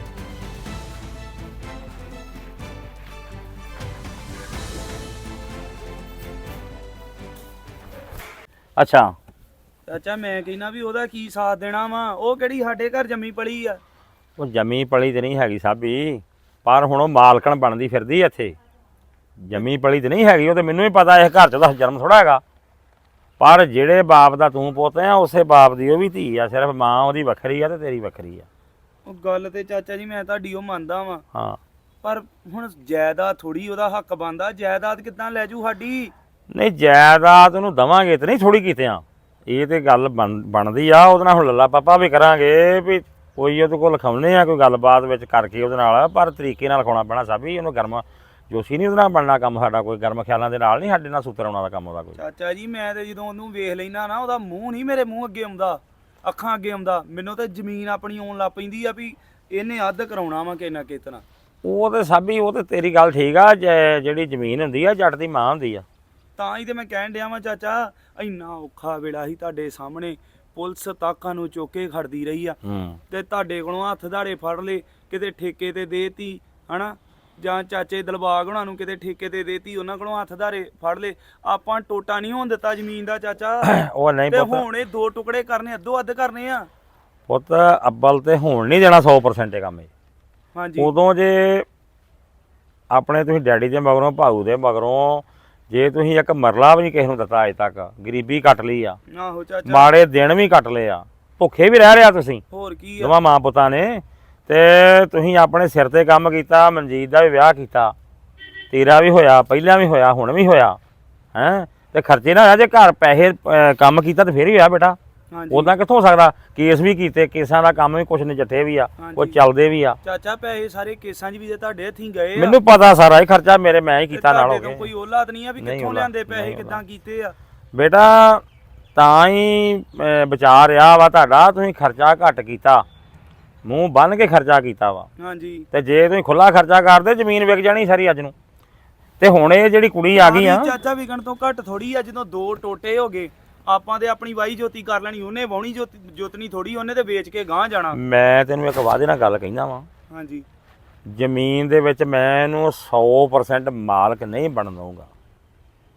ਅੱਛਾ
ਚਾਚਾ ਮੈਂ ਕਹਿੰਦਾ ਵੀ ਉਹਦਾ ਕੀ ਸਾਥ ਦੇਣਾ ਵਾ, ਉਹ ਕਿਹੜੀ ਸਾਡੇ ਘਰ ਜੰਮੀ ਪਲੀ ਆ।
ਉਹ ਜਮੀ ਪਲੀ ਤੇ ਨਹੀਂ ਹੈਗੀ ਸਾਬੀ, ਪਰ ਹੁਣ ਉਹ ਮਾਲਕਣ ਬਣਦੀ ਫਿਰਦੀ ਇੱਥੇ। ਜਮੀ ਪਲੀ ਤੇ ਨਹੀਂ ਹੈਗੀ, ਉਹ ਤੇ ਮੈਨੂੰ ਵੀ ਪਤਾ ਇਸ ਘਰ 'ਚ ਉਹਦਾ ਜਨਮ ਥੋੜਾ ਹੈਗਾ। ਪਰ ਜਿਹੜੇ ਬਾਪ ਦਾ ਤੂੰ ਪੁੱਤ ਆ, ਉਸੇ ਬਾਪ ਦੀ ਉਹ ਵੀ ਧੀ ਆ, ਸਿਰਫ ਮਾਂ ਉਹਦੀ ਵੱਖਰੀ ਆ ਤੇ ਤੇਰੀ ਵੱਖਰੀ ਆ।
ਉਹ ਗੱਲ ਤੇ ਚਾਚਾ ਜੀ ਮੈਂ ਤੁਹਾਡੀ ਉਹ ਮੰਨਦਾ ਵਾਂ,
ਹਾਂ
ਪਰ ਹੁਣ ਜਾਇਦਾਦ ਥੋੜੀ ਉਹਦਾ ਹੱਕ ਬਣਦਾ। ਜਾਇਦਾਦ ਕਿੱਦਾਂ ਲੈ ਜੂ ਸਾਡੀ?
ਨਹੀਂ ਜਾਇਦਾਦ ਉਹਨੂੰ ਦਵਾਂਗੇ ਤੇ ਨਹੀਂ ਥੋੜੀ ਕੀਤੇ ਆ, ਇਹ ਤੇ ਗੱਲ ਬਣ ਬਣਦੀ ਆ। ਉਹਦੇ ਨਾਲ ਹੁਣ ਲੱਲਾ ਪਾਪਾ ਵੀ ਕਰਾਂਗੇ ਵੀ ਕੋਈ ਉਹਦੇ ਕੋਲ ਲਿਖਾਉਣੇ ਆ, ਕੋਈ ਗੱਲਬਾਤ ਵਿੱਚ ਕਰਕੇ ਉਹਦੇ ਨਾਲ, ਪਰ ਤਰੀਕੇ ਨਾਲ ਲਿਖਾਉਣਾ ਪੈਣਾ ਸਾਬੀ। ਉਹਨੂੰ ਗਰਮ ਜੋਸ਼ੀ ਨਹੀਂ ਉਹਦੇ ਨਾਲ ਬਣਨਾ ਕੰਮ ਸਾਡਾ, ਕੋਈ ਗਰਮ ਖਿਆਲਾਂ ਦੇ ਨਾਲ ਨਹੀਂ ਸਾਡੇ ਨਾਲ ਸੂਤਰ ਆਉਣਾ ਦਾ ਕੰਮ ਉਹਦਾ ਕੋਈ।
ਚਾਚਾ ਜੀ ਮੈਂ ਤੇ ਜਦੋਂ ਉਹਨੂੰ ਵੇਖ ਲੈਣਾ ਨਾ, ਉਹਦਾ ਮੂੰਹ ਨਹੀਂ ਮੇਰੇ ਮੂੰਹ ਅੱਗੇ ਆਉਂਦਾ, ਅੱਖਾਂ ਅੱਗੇ ਆਉਂਦਾ। ਮੈਨੂੰ ਤੇ ਜ਼ਮੀਨ ਆਪਣੀ ਆਉਣ ਲੱਗ ਪੈਂਦੀ ਆ ਵੀ ਇਹਨੇ ਅੱਧ ਕਰਾਉਣਾ ਵਾ ਕਿੰਨਾ ਕਿਤਨਾ।
ਉਹ ਤੇ ਸਾਬੀ ਉਹ ਤੇ ਤੇਰੀ ਗੱਲ ਠੀਕ ਆ, ਜ- ਜਿਹੜੀ ਜ਼ਮੀਨ ਹੁੰਦੀ ਆ ਜੱਟ ਦੀ ਮਾਂ ਹੁੰਦੀ ਆ।
ਤਾਂ ਹੀ ਤੇ ਮੈਂ ਕਹਿਣ ਡਿਆ ਵਾਂ ਚਾਚਾ, ਇੰਨਾ ਔਖਾ ਵੇਲਾ ਸੀ ਤੁਹਾਡੇ ਸਾਹਮਣੇ, ਪੁਲਿਸ ਤਾਕਾਂ ਨੂੰ ਚੁੱਕ ਕੇ ਖੜਦੀ ਰਹੀ ਆ,
ਹੂੰ
ਤੇ ਤੁਹਾਡੇ ਕੋਲੋਂ ਹੱਥ ਧਾੜੇ ਫੜ ਲਏ, ਕਿਤੇ ਠੇਕੇ ਤੇ ਦੇਤੀ ਹਨਾ, ਜਾਂ ਚਾਚੇ ਦਿਲਬਾਗ ਉਹਨਾਂ ਨੂੰ ਕਿਤੇ ਠੇਕੇ ਤੇ ਦੇਤੀ, ਉਹਨਾਂ ਕੋਲੋਂ ਹੱਥ ਧਾਰੇ ਫੜ ਲਏ। ਆਪਾਂ ਟੋਟਾ ਨਹੀਂ ਹੋਣ ਦਿੱਤਾ ਜ਼ਮੀਨ ਦਾ ਚਾਚਾ।
ਉਹ ਨਹੀਂ
ਤੇ
ਪੁੱਤ,
ਹੁਣ ਇਹ ਦੋ ਟੁਕੜੇ ਕਰਨੇ, ਅੱਧੋ ਅੱਧ ਕਰਨੇ ਆ।
ਪੁੱਤ ਅੱਬਲ ਤੇ ਹੋਣ ਨਹੀਂ ਦੇਣਾ ਸੌ ਪਰਸੈਂਟ ਇਹ ਕੰਮ ਇਹ।
ਹਾਂਜੀ
ਉਦੋਂ ਜੇ ਆਪਣੇ ਤੁਸੀਂ ਡੈਡੀ ਦੇ ਮਗਰੋਂ ਭਾਊ ਦੇ ਮਗਰੋਂ ਜੇ ਤੁਸੀਂ ਇੱਕ ਮਰਲਾ ਵੀ ਨਹੀਂ ਕਿਸੇ ਨੂੰ ਦਿੱਤਾ ਅਜੇ ਤੱਕ, ਗਰੀਬੀ ਕੱਟ ਲਈ ਆ,
ਆਹੋ ਚਾਚਾ,
ਮਾੜੇ ਦਿਨ ਵੀ ਕੱਟ ਲਏ ਆ, ਭੁੱਖੇ ਵੀ ਰਹਿ ਰਿਹਾ ਤੁਸੀਂ
ਹੋਰ ਕੀ ਆ।
ਦੋਵਾਂ ਮਾਂ ਪੁੱਤਾਂ ਨੇ। ਤੇ ਤੁਸੀਂ ਆਪਣੇ ਸਿਰ ਤੇ ਕੰਮ ਕੀਤਾ, ਮਨਜੀਤ ਦਾ ਵੀ ਵਿਆਹ ਕੀਤਾ, ਤੇਰਾ ਵੀ ਹੋਇਆ, ਪਹਿਲਾਂ ਵੀ ਹੋਇਆ, ਹੁਣ ਵੀ ਹੋਇਆ ਹੈਂ। ਤੇ ਖਰਚੇ ਨਾ ਹੋਇਆ, ਜੇ ਘਰ ਪੈਸੇ ਅਹ, ਕੰਮ ਕੀਤਾ ਤੇ ਫੇਰ ਹੀ ਹੋਇਆ ਬੇਟਾ।
ਹਾਂਜੀ
ਉਦਾਂ ਕਿੱਥੋਂ ਹੋ ਸਕਦਾ? ਕੇਸ ਵੀ ਕੀਤੇ, ਕੇਸਾਂ ਦਾ ਕੰਮ ਵੀ ਕੁਛ ਨਜਿੱਠੇ ਵੀ ਆ,
ਹਾਂਜੀ।
ਉਹ ਚੱਲਦੇ ਵੀ ਆ।
ਚਾਚਾ ਪੈਸੇ ਸਾਰੇ ਕੇਸਾਂ 'ਚ ਵੀ ਜੇ ਤੁਹਾਡੇ ਹੱਥੀਂ ਗਏ ਆ,
ਮੈਨੂੰ ਪਤਾ ਸਾਰਾ ਹੀ ਖਰਚਾ ਮੇਰੇ ਮੈਂ ਹੀ ਕੀਤਾ ਨਾਲ ਹੋ
ਤੁਹਾਡੇ ਤੋਂ
ਕੇ।
ਕੋਈ ਔਲਾਦ ਨਹੀਂ ਆ ਵੀ
ਨਹੀਂ
ਕਿੱਥੋਂ
ਔਲਾਦ,
ਲਿਆਂਦੇ ਪੈਸੇ,
ਨਹੀਂ
ਕਿੱਦਾਂ ਕੀਤੇ ਆ।
ਬੇਟਾ ਤਾਂ ਹੀ ਅਹ, ਵਿਚਾਰ ਰਿਹਾ ਵਾ ਤੁਹਾਡਾ, ਤੁਸੀਂ ਖਰਚਾ ਘੱਟ ਕੀਤਾ, ਮੂੰਹ ਬੰਨ ਕੇ ਖਰਚਾ ਕੀਤਾ ਵਾ।
ਹਾਂਜੀ
ਤੇ ਜੇ ਤੁਸੀਂ ਖੁੱਲਾ ਖਰਚਾ ਕਰਦੇ ਜ਼ਮੀਨ ਵਿਕ ਜਾਣੀ ਸਾਰੀ ਅੱਜ ਨੂੰ। ਤੇ ਹੁਣ ਇਹ ਜਿਹੜੀ ਕੁੜੀ ਆ ਗਈ ਆ,
ਚਾਚਾ ਵਿਕਣ ਤੋਂ ਘੱਟ ਥੋੜੀ ਆ। ਜਦੋਂ ਦੋ ਟੋਟੇ ਹੋ ਗਏ, ਆਪਾਂ ਤੇ ਆਪਣੀ ਵਾਈ ਜੋਤੀ ਕਰ ਲੈਣੀ, ਉਹਨੇ ਵਾਉਣੀ ਜੋਤੀ ਜੋਤਨੀ ਥੋੜੀ, ਉਹਨੇ ਤੇ ਵੇਚ ਕੇ ਗਾਂਹ ਜਾਣਾ।
ਮੈਂ ਤੈਨੂੰ ਇੱਕ ਵਾਅਦੇ ਨਾਲ ਗੱਲ ਕਹਿੰਦਾ ਵਾਂ,
ਹਾਂਜੀ
ਜ਼ਮੀਨ ਦੇ ਵਿੱਚ ਮੈਂ ਇਹਨੂੰ ਸੌ ਪਰਸੈਂਟ ਮਾਲਕ ਨਹੀਂ ਬਣ ਦਊਂਗਾ।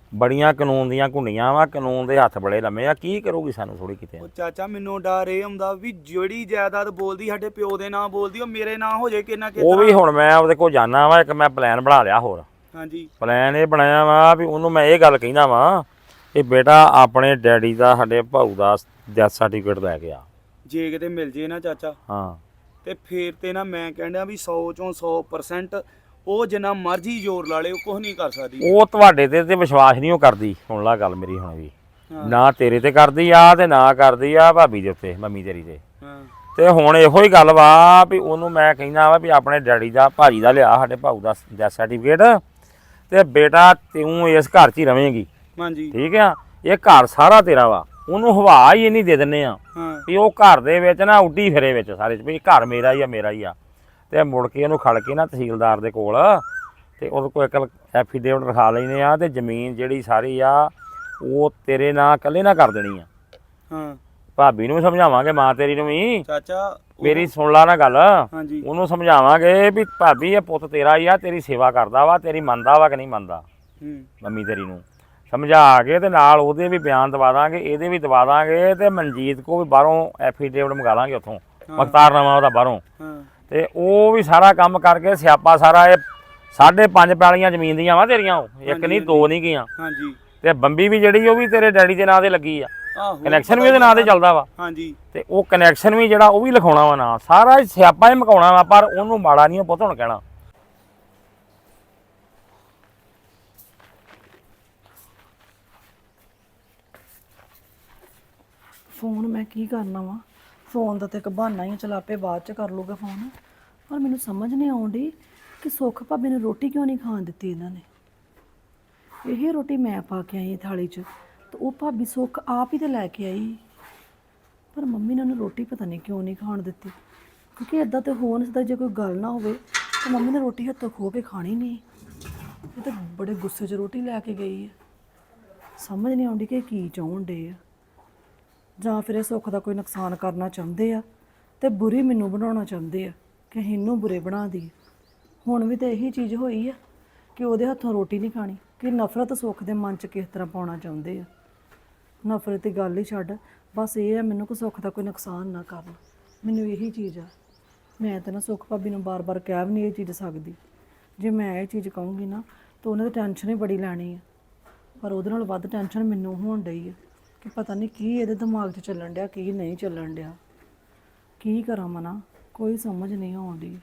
ਬੜੀਆਂ ਕਾਨੂੰਨ ਦੀਆਂ ਘੁੰਡੀਆਂ ਵਾ, ਕਾਨੂੰਨ ਦੇ ਹੱਥ ਬੜੇ ਲੰਮੇ ਆ। ਕੀ ਕਰੂਗੀ ਸਾਨੂੰ ਥੋੜੀ ਕਿਤੇ।
ਉਹ ਚਾਚਾ ਮੈਨੂੰ ਡਰ ਇਹ ਹੁੰਦਾ ਵੀ ਜਿਹੜੀ ਜਾਇਦਾਦ ਬੋਲਦੀ ਸਾਡੇ ਪਿਓ ਦੇ ਨਾਂ ਬੋਲਦੀ ਉਹ ਮੇਰੇ ਨਾਂ ਹੋ ਜੇ ਕਿੰਨਾ ਕਿਤੇ।
ਉਹ ਵੀ ਹੁਣ ਮੈਂ ਉਹਦੇ ਕੋਲ ਜਾਣਾ ਵਾ, ਇੱਕ ਮੈਂ ਪਲਾਨ ਬਣਾ ਲਿਆ ਹੋਰ।
ਹਾਂਜੀ
ਪਲਾਨ ਇਹ ਬਣਾਇਆ ਵਾ ਵੀ ਉਹਨੂੰ ਮੈਂ ਇਹ ਗੱਲ ਕਹਿੰਦਾ ਵਾ ਕਿ ਬੇਟਾ ਆਪਣੇ ਡੈਡੀ ਦਾ ਸਾਡੇ ਭਾਊ ਦਾ ਡੈਥ ਸਰਟੀਫਿਕੇਟ ਲੈ ਕੇ ਆ।
ਜੇ ਕਿਤੇ ਮਿਲ ਜੇ ਨਾ ਚਾਚਾ
ਹਾਂ
ਤੇ ਫੇਰ ਤੇ ਨਾ ਮੈਂ ਕਹਿੰਦਾ ਵੀ ਸੌ ਚੋਂ ਸੌ ਪਰਸੈਂਟ ਉਹ ਜਿੰਨਾ ਮਰਜ਼ੀ ਜ਼ੋਰ ਲਾ ਲੇ ਉਹ ਕੁਝ ਨਹੀਂ ਕਰ ਸਕਦੀ।
ਉਹ ਤੁਹਾਡੇ ਤੇ ਤੇ ਵਿਸ਼ਵਾਸ ਨਹੀਂ ਉਹ ਕਰਦੀ। ਸੁਣ ਲਾ ਗੱਲ ਮੇਰੀ ਹੁਣ ਵੀ,
ਹਾਂ।
ਨਾ ਤੇਰੇ ਤੇ ਕਰਦੀ ਆ ਤੇ ਨਾ ਕਰਦੀ ਆ ਭਾਬੀ ਦੇ ਉੱਤੇ, ਮੰਮੀ ਤੇਰੀ ਤੇ।
ਹਾਂ
ਤੇ ਹੁਣ ਇਹੋ ਹੀ ਗੱਲ ਵਾ ਵੀ ਉਹਨੂੰ ਮੈਂ ਕਹਿੰਦਾ ਵਾ ਵੀ ਆਪਣੇ ਡੈਡੀ ਦਾ ਭਾਜੀ ਦਾ ਲਿਆ ਸਾਡੇ ਭਾਊ ਦਾ ਡੈਥ ਸਰਟੀਫਿਕੇਟ, ਤੇ ਬੇਟਾ ਤੂੰ ਇਸ ਘਰ 'ਚ ਹੀ ਰਵੇਂਗੀ।
ਹਾਂਜੀ
ਠੀਕ ਆ, ਇਹ ਘਰ ਸਾਰਾ ਤੇਰਾ ਵਾ। ਉਹਨੂੰ ਹਵਾ ਹੀ ਇੰਨੀ ਦੇ ਦਿੰਨੇ ਆ
ਹਾਂ
ਵੀ ਉਹ ਘਰ ਦੇ ਵਿੱਚ ਨਾ ਉੱਡੀ ਫਿਰੇ ਵਿੱਚ ਸਾਰੇ 'ਚ ਵੀ ਘਰ ਮੇਰਾ ਹੀ ਆ ਮੇਰਾ ਹੀ ਆ। ਤੇ ਮੁੜ ਕੇ ਉਹਨੂੰ ਖੜ ਕੇ ਨਾ ਤਹਿਸੀਲਦਾਰ ਦੇ ਕੋਲ ਤੇ ਉਹਦੇ ਕੋਲ ਇੱਕ ਐਫੀਡੇਵਿਟ ਰਖਾ ਲੈਨੇ ਆ, ਤੇ ਜ਼ਮੀਨ ਜਿਹੜੀ ਸਾਰੀ ਆ ਉਹ ਤੇਰੇ ਨਾਂ ਇਕੱਲੇ ਨਾ ਕਰ ਦੇਣੀ ਆ।
ਹਾਂ
ਭਾਬੀ ਨੂੰ ਸਮਝਾਵਾਂਗੇ, ਮਾਂ ਤੇਰੀ ਨੂੰ ਵੀ।
ਚਾਚਾ ਉਹ-
ਮੇਰੀ ਸੁਣ ਲਾ ਨਾ ਗੱਲ।
ਹਾਂਜੀ
ਉਹਨੂੰ ਸਮਝਾਵਾਂਗੇ ਵੀ ਭਾਬੀ ਇਹ ਪੁੱਤ ਤੇਰਾ ਹੀ ਆ, ਤੇਰੀ ਸੇਵਾ ਕਰਦਾ ਵਾ, ਤੇਰੀ ਮੰਨਦਾ ਵਾ ਕਿ ਨਹੀਂ ਮੰਨਦਾ।
ਹੂੰ
ਮੰਮੀ ਤੇਰੀ ਨੂੰ ਸਮਝਾ ਕੇ ਤੇ ਨਾਲ ਉਹਦੇ ਵੀ ਬਿਆਨ ਦਵਾ ਦਾਂਗੇ, ਇਹਦੇ ਵੀ ਦਵਾ ਦਾਂਗੇ, ਤੇ ਮਨਜੀਤ ਕੋ ਵੀ ਬਾਹਰੋਂ ਐਫੀਡੇਵਿਟ ਮੰਗਾ ਲਾਂਗੇ ਉੱਥੋਂ, ਮਖਤਾਰਨਾਮਾ ਉਹਦਾ ਬਾਹਰੋਂ।
ਹਾਂ
ਤੇ ਉਹ ਵੀ ਸਾਰਾ ਕੰਮ ਕਰਕੇ ਸਿਆਪਾ ਸਾਰਾ ਇਹ ਸਾਢੇ ਪੰਜ ਪੈਲੀਆਂ ਜ਼ਮੀਨ ਦੀਆਂ ਵਾ ਤੇਰੀਆਂ, ਉਹ ਇੱਕ ਨਹੀਂ ਦੋ ਨਹੀਂ ਗਈਆਂ।
ਹਾਂਜੀ
ਤੇ ਬੰਬੀ ਵੀ ਜਿਹੜੀ ਉਹ ਵੀ ਤੇਰੇ ਡੈਡੀ ਦੇ ਨਾਂ ਤੇ ਲੱਗੀ ਆ,
ਆਹੋ
ਕਨੈਕਸ਼ਨ ਵੀ ਉਹਦੇ ਨਾਂ ਤੇ ਚੱਲਦਾ ਵਾ।
ਹਾਂਜੀ
ਤੇ ਉਹ ਕਨੈਕਸ਼ਨ ਵੀ ਜਿਹੜਾ ਉਹ ਵੀ ਲਿਖਾਉਣਾ ਵਾ ਨਾਂ, ਸਾਰਾ ਸਿਆਪਾ ਹੀ ਮਕਾਉਣਾ ਵਾ। ਪਰ ਉਹਨੂੰ ਮਾੜਾ ਨਹੀਂ ਉਹ ਪੁੱਤ ਹੁਣ ਕਹਿਣਾ।
ਫੋਨ ਮੈਂ ਕੀ ਕਰਨਾ ਵਾ, ਫੋਨ ਦਾ ਤੇ ਇੱਕ ਬਹਾਨਾ ਹੀ ਆ, ਚਲ ਆਪੇ ਬਾਅਦ ਚ ਕਰ ਲੂਗਾ ਫੋਨ। ਪਰ ਮੈਨੂੰ ਸਮਝ ਨਹੀਂ ਆਉਂਦੀ ਕਿ ਸੁੱਖ ਭਾਬੀ ਨੂੰ ਰੋਟੀ ਕਿਉਂ ਨਹੀਂ ਖਾਣ ਦਿੱਤੀ ਇਹਨਾਂ ਨੇ। ਇਹ ਰੋਟੀ ਮੈਂ ਪਾ ਕੇ ਆਈ ਥਾਲੀ 'ਚ, ਤੇ ਉਹ ਭਾਬੀ ਸੁੱਖ ਆਪ ਹੀ ਤੇ ਲੈ ਕੇ ਆਈ। ਪਰ ਮੰਮੀ ਨੇ ਉਹਨੂੰ ਰੋਟੀ ਪਤਾ ਨਹੀਂ ਕਿਉਂ ਨਹੀਂ ਖਾਣ ਦਿੱਤੀ, ਕਿਉਂਕਿ ਇਦਾਂ ਤੇ ਹੋ ਨਹੀਂ ਸਕਦਾ। ਜੇ ਕੋਈ ਗੱਲ ਨਾ ਹੋਵੇ ਤਾਂ ਮੰਮੀ ਨੇ ਰੋਟੀ ਹੱਥੋਂ ਖੋਹ ਕੇ ਖਾਣੀ ਨਹੀਂ। ਇਹ ਤਾਂ ਬੜੇ ਗੁੱਸੇ 'ਚ ਰੋਟੀ ਲੈ ਕੇ ਗਈ ਹੈ। ਸਮਝ ਨਹੀਂ ਆਉਂਦੀ ਕਿ ਕੀ ਚਾਹੁਣ ਡੇ ਆ, ਜਾਂ ਫਿਰ ਇਹ ਸੁੱਖ ਦਾ ਕੋਈ ਨੁਕਸਾਨ ਕਰਨਾ ਚਾਹੁੰਦੇ ਆ ਤੇ ਬੁਰੀ ਮੈਨੂੰ ਬਣਾਉਣਾ ਚਾਹੁੰਦੇ ਆ ਕਿ ਅਸੀਂ ਇਹਨੂੰ ਬੁਰੇ ਬਣਾ ਦਈਏ। ਹੁਣ ਵੀ ਤਾਂ ਇਹੀ ਚੀਜ਼ ਹੋਈ ਆ ਕਿ ਉਹਦੇ ਹੱਥੋਂ ਰੋਟੀ ਨਹੀਂ ਖਾਣੀ, ਕਿ ਨਫ਼ਰਤ ਸੁੱਖ ਦੇ ਮਨ 'ਚ ਕਿਸ ਤਰ੍ਹਾਂ ਪਾਉਣਾ ਚਾਹੁੰਦੇ ਆ। ਨਫ਼ਰਤ ਦੀ ਗੱਲ ਹੀ ਛੱਡ, ਬਸ ਇਹ ਆ ਮੈਨੂੰ ਕਿ ਸੁੱਖ ਦਾ ਕੋਈ ਨੁਕਸਾਨ ਨਾ ਕਰਨ। ਮੈਨੂੰ ਇਹੀ ਚੀਜ਼ ਆ। ਮੈਂ ਤਾਂ ਨਾ ਸੁੱਖ ਭਾਬੀ ਨੂੰ ਬਾਰ-ਬਾਰ ਕਹਿ ਵੀ ਨਹੀਂ ਇਹ ਚੀਜ਼ ਸਕਦੀ। ਜੇ ਮੈਂ ਇਹ ਚੀਜ਼ ਕਹੂੰਗੀ ਨਾ ਤਾਂ ਉਹਨਾਂ ਦੀ ਟੈਨਸ਼ਨ ਹੀ ਬੜੀ ਲੈਣੀ ਆ। ਪਰ ਉਹਦੇ ਨਾਲ ਵੱਧ ਟੈਨਸ਼ਨ ਮੈਨੂੰ ਹੋਣ ਡਈ ਆ ਕਿ ਪਤਾ ਨਹੀਂ ਕੀ ਇਹਦੇ ਦਿਮਾਗ 'ਚ ਚੱਲਣ ਡਿਆ, ਕੀ ਨਹੀਂ ਚੱਲਣ ਡਿਆ। ਕੀ ਕਰਾਂ ਮਨਾ, ਕੋਈ ਸਮਝ ਨਹੀਂ ਆਉਂਦੀ।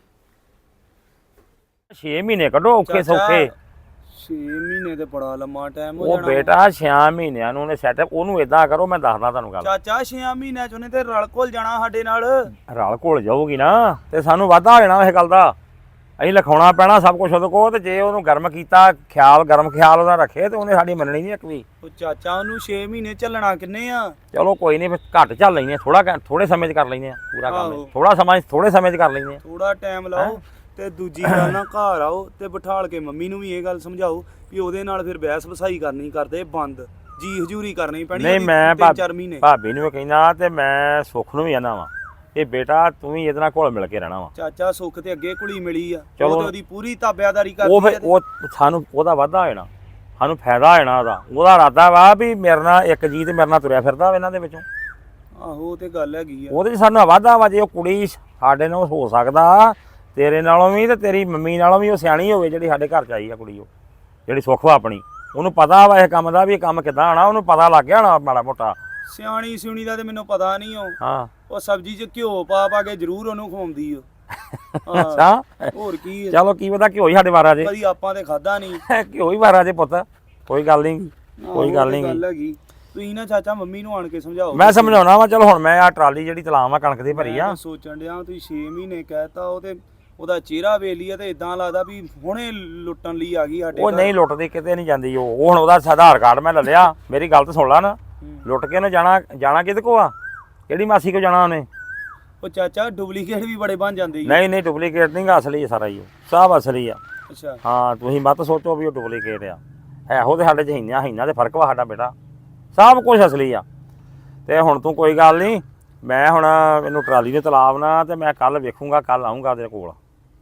ਛੇ ਮਹੀਨੇ ਕੱਢੋ ਔਖੇ ਸੌਖੇ।
ਛੇ ਮਹੀਨੇ ਤੇ ਬੜਾ ਲੰਮਾ ਟਾਈਮ ਹੋ
ਉਹ
ਜਾਣਾ।
ਬੇਟਾ ਛੇ ਮਹੀਨਿਆਂ ਨੂੰ ਉਹਨੇ ਸੈਟਅਪ, ਉਹਨੂੰ ਇਦਾਂ ਕਰੋ, ਮੈਂ ਦੱਸਦਾ ਤੁਹਾਨੂੰ ਗੱਲ।
ਚਾਚਾ ਛੇ ਮਹੀਨਿਆਂ ਚ ਉਹਨੇ ਤੇ ਰਲ ਘੁਲ ਜਾਣਾ ਸਾਡੇ ਨਾਲ।
ਰਲ ਘੁਲ ਜਾਊਗੀ ਨਾ ਤੇ ਸਾਨੂੰ ਵਾਧਾ ਹੋ ਜਾਣਾ ਇਹ ਗੱਲ ਦਾ। ਅਸੀਂ ਲਿਖਾਉਣਾ ਪੈਣਾ ਸਭ ਕੁਝ ਉਹਦੇ ਕੋਲ, ਤੇ ਜੇ ਉਹਨੂੰ ਗਰਮ ਕੀਤਾ, ਖਿਆਲ ਗਰਮ ਖਿਆਲ ਉਹਦਾ ਰੱਖੇ, ਤੇ ਉਹਨੇ ਸਾਡੀ ਮੰਨਣੀ ਨਹੀਂ ਇੱਕ ਵੀ।
ਉਹ ਚਾਚਾ ਉਹਨੂੰ ਛੇ ਮਹੀਨੇ ਚੱਲਣਾ ਕਿੰਨੇ ਆ?
ਚਲੋ ਕੋਈ ਨਹੀਂ, ਘੱਟ ਚੱਲ ਲੈਂਦੇ, ਥੋੜਾ ਥੋੜੇ ਸਮੇਂ 'ਚ ਕਰ ਲੈਂਦੇ ਆ ਪੂਰਾ ਕੰਮ।
ਆਹੋ।
ਥੋੜਾ ਸਮਾਂ ਥੋੜੇ ਸਮੇਂ 'ਚ ਕਰ ਲੈਂਦੇ ਆ।
ਥੋੜਾ ਟਾਈਮ ਲਾਓ ਤੇ ਦੂਜੀ ਗੱਲ ਨਾ ਘਰ ਆਓ ਤੇ ਬਿਠਾਲ ਕੇ ਮੰਮੀ ਨੂੰ ਵੀ ਇਹ ਗੱਲ ਸਮਝਾਓ ਵੀ ਉਹਦੇ ਨਾਲ ਫਿਰ ਬਹਿਸ ਵਸਾਈ ਕਰਨੀ ਕਰਦੇ ਬੰਦ, ਜੀ ਹਜੂਰੀ ਕਰਨੀ ਪੈਣੀ।
ਨਹੀਂ ਮੈਂ
ਤਿੰਨ ਚਾਰ ਮਹੀਨੇ
ਭਾਬੀ ਨੂੰ ਕਹਿੰਦਾ, ਤੇ ਮੈਂ ਸੁੱਖ ਨੂੰ ਵੀ ਕਹਿੰਦਾ ਵਾ ਇਹ ਬੇਟਾ ਤੂੰ ਵੀ ਇਹਦੇ ਨਾਲ ਘੁਲ ਮਿਲ ਕੇ ਰਹਿਣਾ ਵਾ।
ਚਾਚਾ ਸੁੱਖ ਤੇ ਅੱਗੇ ਕੁੜੀ ਮਿਲੀ ਆ,
ਚਲੋ।
ਉਹ ਤੇ ਉਹਦੀ ਪੂਰੀ ਤਾਬਿਆਦਾਰੀ
ਉਹ
ਕਰਦੀ
ਫਿਰ
ਆ।
ਉਹ ਸਾਨੂੰ ਉਹਦਾ ਵਾਧਾ ਹੋ ਜਾਣਾ, ਸਾਨੂੰ ਫਾਇਦਾ ਹੋ ਜਾਣਾ ਉਹਦਾ। ਉਹਦਾ ਇਰਾਦਾ ਵਾ ਵੀ ਮੇਰੇ ਨਾਲ ਇੱਕ ਜੀ ਤੇ ਮੇਰੇ ਨਾਲ ਤੁਰਿਆ ਫਿਰਦਾ ਵਾ ਇਹਨਾਂ ਦੇ ਵਿੱਚੋਂ।
ਆਹੋ ਉਹ ਤੇ ਗੱਲ ਹੈਗੀ ਆ।
ਉਹਦੇ 'ਚ ਸਾਨੂੰ ਵਾਧਾ ਵਾ। ਜੇ ਉਹ ਕੁੜੀ ਸਾਡੇ ਨਾਲ ਹੋ ਸਕਦਾ ਤੇਰੇ ਨਾਲੋਂ ਵੀ ਤੇ ਤੇਰੀ ਮੰਮੀ ਨਾਲੋਂ ਵੀ ਉਹ ਸਿਆਣੀ ਹੋਵੇ ਜਿਹੜੀ ਸਾਡੇ ਘਰ 'ਚ ਆਈ ਆ ਕੁੜੀ, ਉਹ ਜਿਹੜੀ ਸੁੱਖ ਵਾ ਆਪਣੀ। ਉਹਨੂੰ ਪਤਾ ਵਾ ਇਹ ਕੰਮ ਦਾ ਵੀ ਇਹ ਕੰਮ ਕਿੱਦਾਂ ਆਣਾ, ਉਹਨੂੰ ਪਤਾ ਲੱਗ ਗਿਆ ਹੋਣਾ ਮਾੜਾ ਮੋਟਾ।
ਸਿਆਣੀ ਸਿਉਣੀ ਦਾ ਤੇ ਮੈਨੂੰ ਪਤਾ ਨਹੀਂ। ਉਹ
ਹਾਂ
ਉਹ ਸਬਜ਼ੀ 'ਚ ਘਿਓ ਪਾ ਪਾ ਕੇ ਜ਼ਰੂਰ ਉਹਨੂੰ ਖਵਾਉਂਦੀ ਓ। ਹਾਂ,
ਅੱਛਾ
ਹੋਰ ਕੀ ਆ?
ਚਲੋ ਕੀ ਪਤਾ ਘਿਓ ਹੀ ਸਾਡੇ ਵਾਰਾ ਜੇ,
ਕਦੀ ਆਪਾਂ ਤੇ ਖਾਦਾ ਨਹੀਂ।
ਘਿਓ ਹੀ ਵਾਰਾ ਜੇ ਪੁੱਤ। ਕੋਈ ਗੱਲ ਨਹੀਂ, ਕੋਈ ਗੱਲ ਨਹੀਂ।
ਗੱਲ ਹੈਗੀ। ਤੁਸੀਂ ਨਾ ਚਾਚਾ ਮੰਮੀ ਨੂੰ ਆਣ ਕੇ ਸਮਝਾਓ।
ਮੈਂ ਸਮਝਾਉਣਾ ਵਾ। ਚਲੋ ਹੁਣ ਮੈਂ ਆ ਟਰਾਲੀ ਜਿਹੜੀ ਤਲਾਮ ਆ ਕਣਕ ਦੀ ਭਰੀ ਆ।
ਮੈਂ ਸੋਚਣ ਡਿਆ ਤੁਸੀਂ ਛੇ ਮਹੀਨੇ ਕਹਿਤਾ, ਉਹ ਤੇ ਉਹਦਾ ਚਿਹਰਾ ਵੇਖ ਲਿਆ ਤੇ ਇਦਾਂ ਲੱਗਦਾ ਵੀ ਹੁਣੇ ਲੁੱਟਣ ਲਈ ਆ ਗਈ ਸਾਡੇ
ਉਹ
ਘਰ।
ਨਹੀਂ ਲੁੱਟਦੀ ਕਿਤੇ ਨਹੀਂ ਜਾਂਦੀ। ਉਹ ਉਹ ਹੁਣ ਉਹਦਾ ਆਧਾਰ ਕਾਰਡ ਮੈਂ ਲੈ ਲਿਆ। ਮੇਰੀ ਗੱਲ ਤਾਂ ਸੁਣ ਲਾ ਨਾ, ਲੁੱਟ ਕੇ ਉਹਨੇ ਜਾਣਾ ਜਾਣਾ ਕਿਹਦੇ ਕੋ ਆ? ਕਿਹੜੀ ਮਾਸੀ ਕੋ ਜਾਣਾ ਉਹਨੇ?
ਉਹ ਚਾਚਾ ਡੁਪਲੀਕੇਟ ਵੀ ਬੜੇ ਬਣ ਜਾਂਦੇ ਜੀ।
ਨਹੀਂ ਨਹੀਂ ਡੁਪਲੀਕੇਟ ਨਹੀਂ ਗਾ, ਅਸਲੀ ਆ ਸਾਰਾ ਹੀ। ਉਹ ਸਭ ਅਸਲੀ ਆ।
ਅੱਛਾ
ਹਾਂ ਤੁਸੀਂ ਮਤ ਸੋਚੋ ਵੀ ਉਹ ਡੁਪਲੀਕੇਟ ਆ। ਇਹੋ ਤੇ ਸਾਡੇ ਚ ਹੀਨਾ ਹੀਨਾ ਦੇ ਫਰਕ ਵਾ ਸਾਡਾ ਬੇਟਾ। ਸਭ ਕੁਝ ਅਸਲੀ ਆ। ਤੇ ਹੁਣ ਤੂੰ ਕੋਈ ਗੱਲ ਨਹੀਂ, ਮੈਂ ਹੁਣ ਇਹਨੂੰ ਟਰਾਲੀ ਦੇ ਤਲਾਬ ਨਾ ਤੇ ਮੈਂ ਕੱਲ ਵੇਖੂੰਗਾ, ਕੱਲ ਆਉਂਗਾ ਤੇਰੇ ਕੋਲ।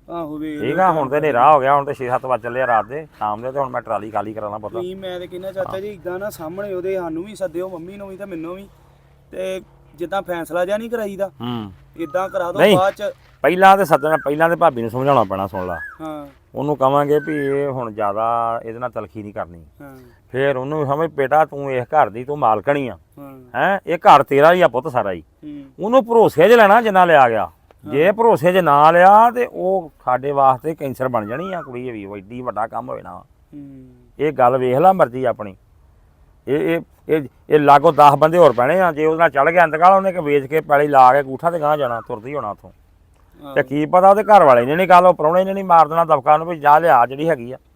ਆਹੋ ਵੇਖ
ਠੀਕ ਆ ਹੁਣ ਤੇ ਹਨੇਰਾ ਹੋ ਗਿਆ, ਹੁਣ ਤੇ ਛੇ ਸੱਤ ਵਜ ਚੱਲੇ ਆ ਰਾਤ ਦੇ ਸ਼ਾਮ ਦੇ, ਤੇ ਹੁਣ ਮੈਂ ਟਰਾਲੀ ਖਾਲੀ ਕਰਾਉਣਾ ਪੁੱਤ।
ਤੁਸੀਂ ਮੈਂ ਤੇ ਕਹਿੰਦਾ ਚਾਚਾ ਜੀ ਇਦਾਂ ਨਾ ਸਾਹਮਣੇ ਉਹਦੇ ਸਾਨੂੰ ਵੀ ਸੱਦਿਓ, ਮੰਮੀ ਨੂੰ ਵੀ ਤੇ ਮੈਨੂੰ ਵੀ, ਤੇ ਜਿੱਦਾਂ ਫੈਸਲਾ ਜਿਹਾ ਨਹੀਂ ਕਰਾਈਦਾ
ਹੂੰ
ਇਦਾਂ ਕਰਾ ਦੋ
ਨਹੀਂ।
ਬਾਅਦ ਚ।
ਪਹਿਲਾਂ ਤੇ ਸੱਦਣਾ, ਪਹਿਲਾਂ ਤੇ ਭਾਬੀ ਨੂੰ ਸਮਝਾਉਣਾ ਪੈਣਾ, ਸੁਣ ਲਾ।
ਹਾਂ
ਉਹਨੂੰ ਕਵਾਂਗੇ ਵੀ ਇਹ ਹੁਣ ਜ਼ਿਆਦਾ ਇਹਦੇ ਨਾਲ ਤਲਖੀ ਨਹੀਂ ਕਰਨੀ।
ਹਾਂ
ਫੇਰ ਉਹਨੂੰ ਸਮਝ ਬੇਟਾ ਤੂੰ ਇਸ ਘਰ ਦੀ ਤੂੰ ਮਾਲਕਣੀ ਆ,
ਹਾਂ
ਹੈ ਇਹ ਘਰ ਤੇਰਾ ਹੀ ਆ ਪੁੱਤ ਸਾਰਾ ਹੀ।
ਹੂੰ
ਉਹਨੂੰ ਭਰੋਸੇ 'ਚ ਲੈਣਾ ਜਿੰਨਾ ਲਿਆ ਗਿਆ। ਜੇ ਭਰੋਸੇ 'ਚ ਨਾ ਲਿਆ ਤੇ ਉਹ ਸਾਡੇ ਵਾਸਤੇ ਕੈਂਸਰ ਬਣ ਜਾਣੀ ਆ ਕੁੜੀ, ਵੀ ਐਡੀ ਵੱਡਾ ਕੰਮ ਹੋਵੇ ਨਾ।
ਹੂੰ
ਇਹ ਗੱਲ ਵੇਖ ਲੈ ਮਰਜ਼ੀ ਆਪਣੀ। ਇਹ ਇਹ ਇਹ ਇਹ ਲਾਗੋ ਦਸ ਬੰਦੇ ਹੋਰ ਪੈਣੇ ਆ, ਜੇ ਉਹਦੇ ਨਾਲ ਚੜ ਗਿਆ ਇੰਤਕਾਲ ਉਹਨੇ ਕਿ ਵੇਚ ਕੇ ਪੈਲੀ ਲਾ ਕੇ ਗੂਠਾ ਤੇ ਗਾਂ ਜਾਣਾ, ਤੁਰਦੀ ਹੋਣਾ ਉੱਥੋਂ। ਤੇ ਕੀ ਪਤਾ ਉਹਦੇ ਘਰ ਵਾਲੇ ਨੇ ਨਹੀਂ ਗੱਲ, ਉਹ ਪ੍ਰਾਹੁਣੇ ਨੇ ਨਹੀਂ ਮਾਰ ਦੇਣਾ ਦਬਕਾ ਨੂੰ ਵੀ ਜਾ ਲਿਆ ਜਿਹੜੀ ਹੈਗੀ ਆ।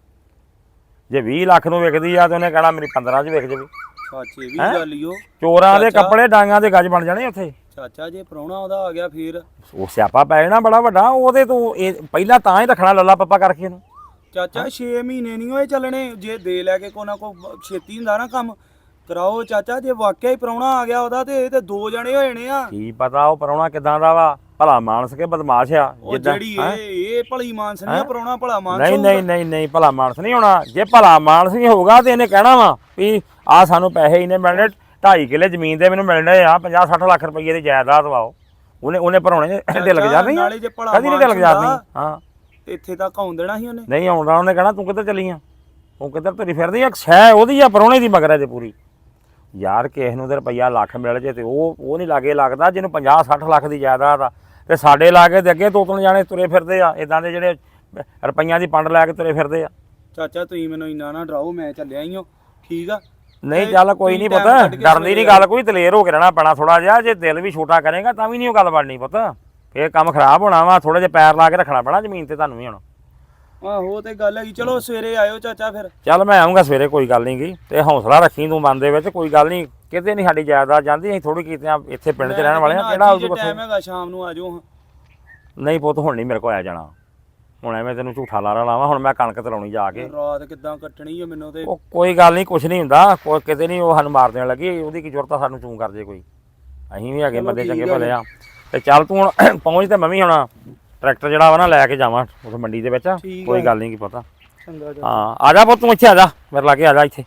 ਜੇ ਵੀਹ ਲੱਖ ਨੂੰ ਵਿਕਦੀ ਆ ਤੇ ਉਹਨੇ ਕਹਿਣਾ ਮੇਰੀ ਪੰਦਰਾਂ 'ਚ ਵਿਕ ਜਾਵੇ।
ਸੱਚੇ ਵੀ ਗੱਲ ਈ ਓ।
ਚੋਰਾਂ ਦੇ ਕੱਪੜੇ ਡਾਂਗਾਂ ਦੇ ਗੱਜ ਬਣ ਜਾਣੇ ਉੱਥੇ।
ਚਾਚਾ ਜੇ ਪ੍ਰਾਹੁਣਾ ਉਹਦਾ ਆ ਗਿਆ ਫੇਰ
ਉਹ ਸਿਆਪਾ ਪੈ ਜਾਣਾ ਬੜਾ ਵੱਡਾ ਉਹਦੇ ਤੋਂ। ਇਹ ਪਹਿਲਾਂ ਤਾਂ ਹੀ ਰੱਖਣਾ ਲੱਲਾ ਪੱਪਾ ਕਰਕੇ ਇਹਨੂੰ।
ਚਾਚਾ ਛੇ ਮਹੀਨੇ ਨਹੀਂ ਹੋਏ ਚੱਲਣੇ, ਜੇ ਦੇ ਲੈ ਕੇ ਕੋ ਨਾ ਕੋ ਛੇਤੀ ਹੁੰਦਾ ਨਾ ਕੰਮ ਕਰਾਓ ਚਾਚਾ। ਜੇ ਵਾਕਿਆ ਹੀ ਪ੍ਰਾਹੁਣਾ ਆ ਗਿਆ ਉਹਦਾ ਤੇ ਇਹ ਤੇ ਦੋ ਜਣੇ ਹੋ ਜਾਣੇ ਆ।
ਕੀ ਪਤਾ ਉਹ ਪ੍ਰਾਹੁਣਾ ਕਿਦਾਂ ਦਾ ਵਾ, ਭਲਾ ਮਾਨਸ ਕੇ ਬਦਮਾਸ਼ ਆ
ਉਹ ਜਿਹੜੀ ਇਹ ਇਹ ਭਲੀ ਮਾਨਸ ਨਹੀਂ ਆ, ਪ੍ਰਾਹੁਣਾ ਭਲਾ ਮਾਨਸ
ਨਹੀਂ
ਹੋਊਗਾ।
ਨਹੀਂ ਨਹੀਂ ਨਹੀਂ ਭਲਾ ਮਾਨਸ ਨਹੀਂ ਹੋਣਾ। ਜੇ ਭਲਾ ਮਾਨਸ ਨਹੀਂ ਹੋਊਗਾ ਤੇ ਇਹਨੇ ਕਹਿਣਾ ਵਾ ਵੀ ਆ ਸਾਨੂੰ ਪੈਸੇ ਇਹਨੇ ਮਿਲਣੇ, ਢਾਈ ਕਿੱਲੇ ਜ਼ਮੀਨ ਦੇ ਮੈਨੂੰ ਮਿਲਣੇ ਆ, ਪੰਜਾਹ ਸੱਠ ਲੱਖ ਰੁਪਏ ਦੀ ਜਾਇਦਾਦ ਵਾਓ। ਉਹਨੇ ਉਹਨੇ ਭਰਾਉਣੇ ਢਿੱਲ ਲੱਗ ਜਾ ਨਹੀਂ,
ਨਾਲੇ ਜੇ ਭਲਾ
ਕਦੀ ਨਹੀਂ ਢਿੱਲ ਜਾ ਨਹੀਂ। ਹਾਂ
ਇੱਥੇ ਤੱਕ ਆਉਣ ਦੇਣਾ ਸੀ ਉਹਨੇ।
ਨਹੀਂ ਆਉਂਦਾ, ਉਹਨੇ ਕਹਿਣਾ ਤੂੰ ਕਿੱਧਰ ਚੱਲੀ ਆ, ਤੂੰ ਕਿੱਧਰ ਤੁਰੀ ਫਿਰਦੀ ਆ, ਸ਼ੈ ਉਹਦੀ ਆ ਪ੍ਰਾਹੁਣੇ ਦੀ ਮਗਰ ਜੇ ਪੂਰੀ। ਯਾਰ ਕਿਸੇ ਨੂੰ ਤੇ ਰੁਪਈਆ ਲੱਖ ਮਿਲ ਜੇ ਤੇ ਉਹ ਉਹ ਨਹੀਂ ਲਾਗੇ ਲੱਗਦਾ ਜਿਹਨੂੰ ਪੰਜਾਹ ਸੱਠ ਲੱਖ ਦੀ ਜਾਇਦਾਦ ਆ। ਤੇ ਸਾਡੇ ਲਾਗੇ ਦੇ ਅੱਗੇ ਦੋ ਤਿੰਨ ਜਾਣੇ ਤੁਰੇ ਫਿਰਦੇ ਆ ਇਦਾਂ ਦੇ ਜਿਹੜੇ ਰੁਪਈਆਂ ਦੀ ਪੰਡ ਲੈ ਕੇ ਤੁਰੇ ਫਿਰਦੇ ਆ।
ਚਾਚਾ ਤੁਸੀਂ ਮੈਨੂੰ ਇੰਨਾ ਨਾ ਡਰਾਓ, ਮੈਂ ਚੱਲਿਆ ਹੀ ਹਾਂ ਠੀਕ ਆ।
ਨਹੀਂ ਚੱਲ ਕੋਈ ਨਹੀਂ ਪੁੱਤ, ਡਰਨ ਦੀ ਨਹੀਂ ਗੱਲ ਕੋਈ, ਦਲੇਰ ਹੋ ਕੇ ਰਹਿਣਾ ਪੈਣਾ ਥੋੜਾ ਜਿਹਾ। ਜੇ ਦਿਲ ਵੀ ਛੋਟਾ ਕਰੇਗਾ ਤਾਂ ਵੀ ਨਹੀਂ ਉਹ ਗੱਲ ਬਣਨੀ ਪੁੱਤ, ਫੇਰ ਕੰਮ ਖਰਾਬ ਹੋਣਾ ਵਾ। ਥੋੜੇ ਜਿਹਾ ਪੈਰ ਲਾ ਕੇ ਰੱਖਣਾ ਪੈਣਾ ਜ਼ਮੀਨ ਤੇ ਤੁਹਾਨੂੰ ਵੀ ਹੁਣ।
ਆਹੋ ਤੇ ਗੱਲ ਹੈਗੀ। ਚਲੋ ਸਵੇਰੇ ਆਇਓ ਚਾਚਾ ਫਿਰ।
ਚੱਲ ਮੈਂ ਆਉਂਗਾ ਸਵੇਰੇ, ਕੋਈ ਗੱਲ ਨਹੀਂ ਗੀ। ਤੇ ਹੌਸਲਾ ਰੱਖੀ ਤੂੰ ਮਨ ਦੇ ਵਿੱਚ, ਕੋਈ ਗੱਲ ਨਹੀਂ ਕਿਤੇ ਨਹੀਂ ਸਾਡੀ ਜਾਇਦਾਦ ਜਾਂਦੀ। ਅਸੀਂ ਥੋੜੀ ਕੀਤੇ ਆ ਇੱਥੇ ਪਿੰਡ 'ਚ ਰਹਿਣ ਵਾਲੇ ਆ, ਕਿਹੜਾ ਉਹਦੇ
ਟਾਈਮ ਹੈਗਾ ਸ਼ਾਮ ਨੂੰ ਆ ਜਾਓ।
ਨਹੀਂ ਪੁੱਤ ਹੁਣ ਨਹੀਂ ਮੇਰੇ ਕੋਲ ਆ ਜਾਣਾ, ਹੁਣ ਐਵੇਂ ਤੈਨੂੰ ਝੂਠਾ ਲਾਰਾ ਲਾਵਾਂ। ਹੁਣ ਮੈਂ ਕਣਕ ਤਲਾਉਣੀ ਜਾ ਕੇ।
ਰਾਤ ਕਿੱਦਾਂ ਕੱਟਣੀ ਆ ਮੈਨੂੰ ਤੇ।
ਉਹ ਕੋਈ ਗੱਲ ਨਹੀਂ, ਕੁਛ ਨਹੀਂ ਹੁੰਦਾ, ਕੋਈ ਕਿਤੇ ਨਹੀਂ ਉਹ ਸਾਨੂੰ ਮਾਰ ਦੇਣ ਲੱਗੀ। ਉਹਦੀ ਕੀ ਜ਼ਰੂਰਤ ਆ ਸਾਨੂੰ ਚੂੰ ਕਰ ਜੇ ਕੋਈ, ਅਸੀਂ ਵੀ ਹੈਗੇ ਬੰਦੇ ਚੰਗੇ ਭਲੇ ਆ। ਤੇ ਚੱਲ ਤੂੰ ਹੁਣ ਪਹੁੰਚ ਤੇ ਮੈਂ ਵੀ ਹੁਣ ਟਰੈਕਟਰ ਜਿਹੜਾ ਵਾ ਨਾ ਲੈ ਕੇ ਜਾਵਾਂ ਉਸ ਮੰਡੀ ਦੇ ਵਿੱਚ। ਕੋਈ ਗੱਲ ਨਹੀਂ ਕੀ ਪਤਾ।
ਚੰਗਾ ਜੀ।
ਹਾਂ ਆ ਜਾ ਪੁੱਤ ਤੂੰ ਇੱਥੇ ਆ ਜਾ, ਮੇਰੇ ਲਾਗੇ ਆ ਜਾ ਇੱਥੇ।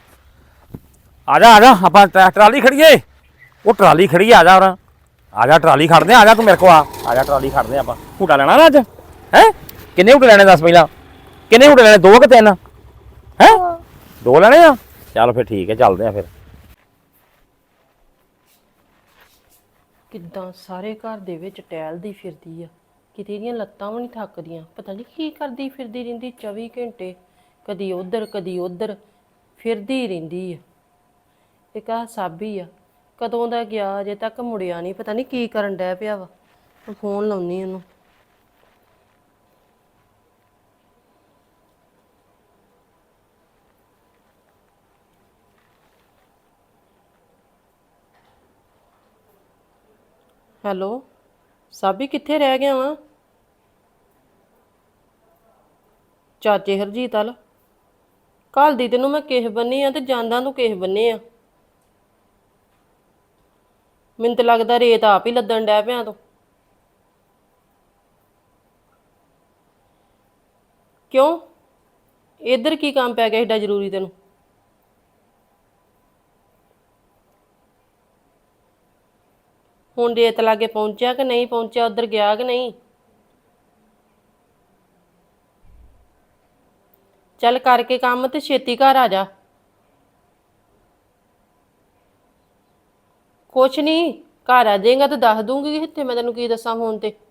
ਆ ਜਾ ਆ ਜਾ, ਆਪਾਂ ਟਰਾਲੀ ਖੜੀਏ। ਉਹ ਟਰਾਲੀ ਖੜੀ ਆ ਜਾ, ਹੋਰ ਆ ਜਾ ਟਰਾਲੀ ਖੜਦੇ ਆ ਜਾ, ਤੂੰ ਮੇਰੇ ਕੋਲ ਆ ਆ ਜਾ ਟਰਾਲੀ ਖੜਦੇ ਆਪਾਂ। ਝੂਟਾ ਲੈਣਾ ਨਾ ਅੱਜ ਹੈ? ਕਿੰਨੇ ਝੂਟੇ ਲੈਣੇ ਦੱਸ ਪਹਿਲਾਂ, ਕਿੰਨੇ ਝੂਟੇ ਲੈਣੇ, ਦੋ ਕਿ ਤਿੰਨ? ਹੈ ਦੋ ਲੈਣੇ ਆ, ਚੱਲ ਫਿਰ ਠੀਕ ਹੈ ਚੱਲਦੇ ਆ ਫਿਰ।
ਕਿੱਦਾਂ ਸਾਰੇ ਘਰ ਦੇ ਵਿੱਚ ਟਹਿਲਦੀ ਫਿਰਦੀ ਆ, ਕਿਤੇ ਇਹਦੀਆਂ ਲੱਤਾਂ ਵੀ ਨਹੀਂ ਥੱਕਦੀਆਂ। ਪਤਾ ਨਹੀਂ ਕੀ ਕਰਦੀ ਫਿਰਦੀ ਰਹਿੰਦੀ ਚੌਵੀ ਘੰਟੇ, ਕਦੀ ਉਧਰ ਕਦੀ ਉਧਰ ਫਿਰਦੀ ਰਹਿੰਦੀ ਆ। ਇੱਕ ਆਹ ਸਾਬੀ ਆ, ਕਦੋਂ ਦਾ ਗਿਆ ਅਜੇ ਤੱਕ ਮੁੜਿਆ ਨਹੀਂ, ਪਤਾ ਨਹੀਂ ਕੀ ਕਰਨ ਡੈ ਪਿਆ ਵਾ। ਮੈਂ ਫੋਨ ਲਾਉਣੀ ਉਹਨੂੰ। ਹੈਲੋ ਸਾਬੀ, ਕਿੱਥੇ ਰਹਿ ਗਿਆ ਵਾ? ਚਾਚੇ ਹਰਜੀਤ ਵੱਲ ਕੱਲ ਦੀ ਤੈਨੂੰ ਮੈਂ ਕਿਸ ਬੰਨੀ ਆ ਤੇ ਜਾਂਦਾ ਤੂੰ ਕਿਸ ਬੰਨੇ ਆ। ਮੈਨੂੰ ਤਾਂ ਲੱਗਦਾ ਰੇਤ ਆਪ ਹੀ ਲੱਦਣ ਡੈ ਪਿਆ ਤੂੰ। ਕਿਉਂ ਇੱਧਰ ਕੀ ਕੰਮ ਪੈ ਗਿਆ ਏਡਾ ਜ਼ਰੂਰੀ ਤੈਨੂੰ? ਹੁਣ ਰੇਤ ਲਾਗੇ ਪਹੁੰਚਿਆ ਕਿ ਨਹੀਂ ਪਹੁੰਚਿਆ, ਉੱਧਰ ਗਿਆ ਕਿ ਨਹੀਂ? ਚੱਲ ਕਰਕੇ ਕੰਮ ਤੇ ਛੇਤੀ ਘਰ ਆ ਜਾ। ਕੁਛ ਨਹੀਂ, ਘਰ ਆ ਜਾਏਗਾ ਤੇ ਦੱਸ ਦੂੰਗੀ। ਇੱਥੇ ਮੈਂ ਤੈਨੂੰ ਕੀ ਦੱਸਾਂ ਫੋਨ ਤੇ।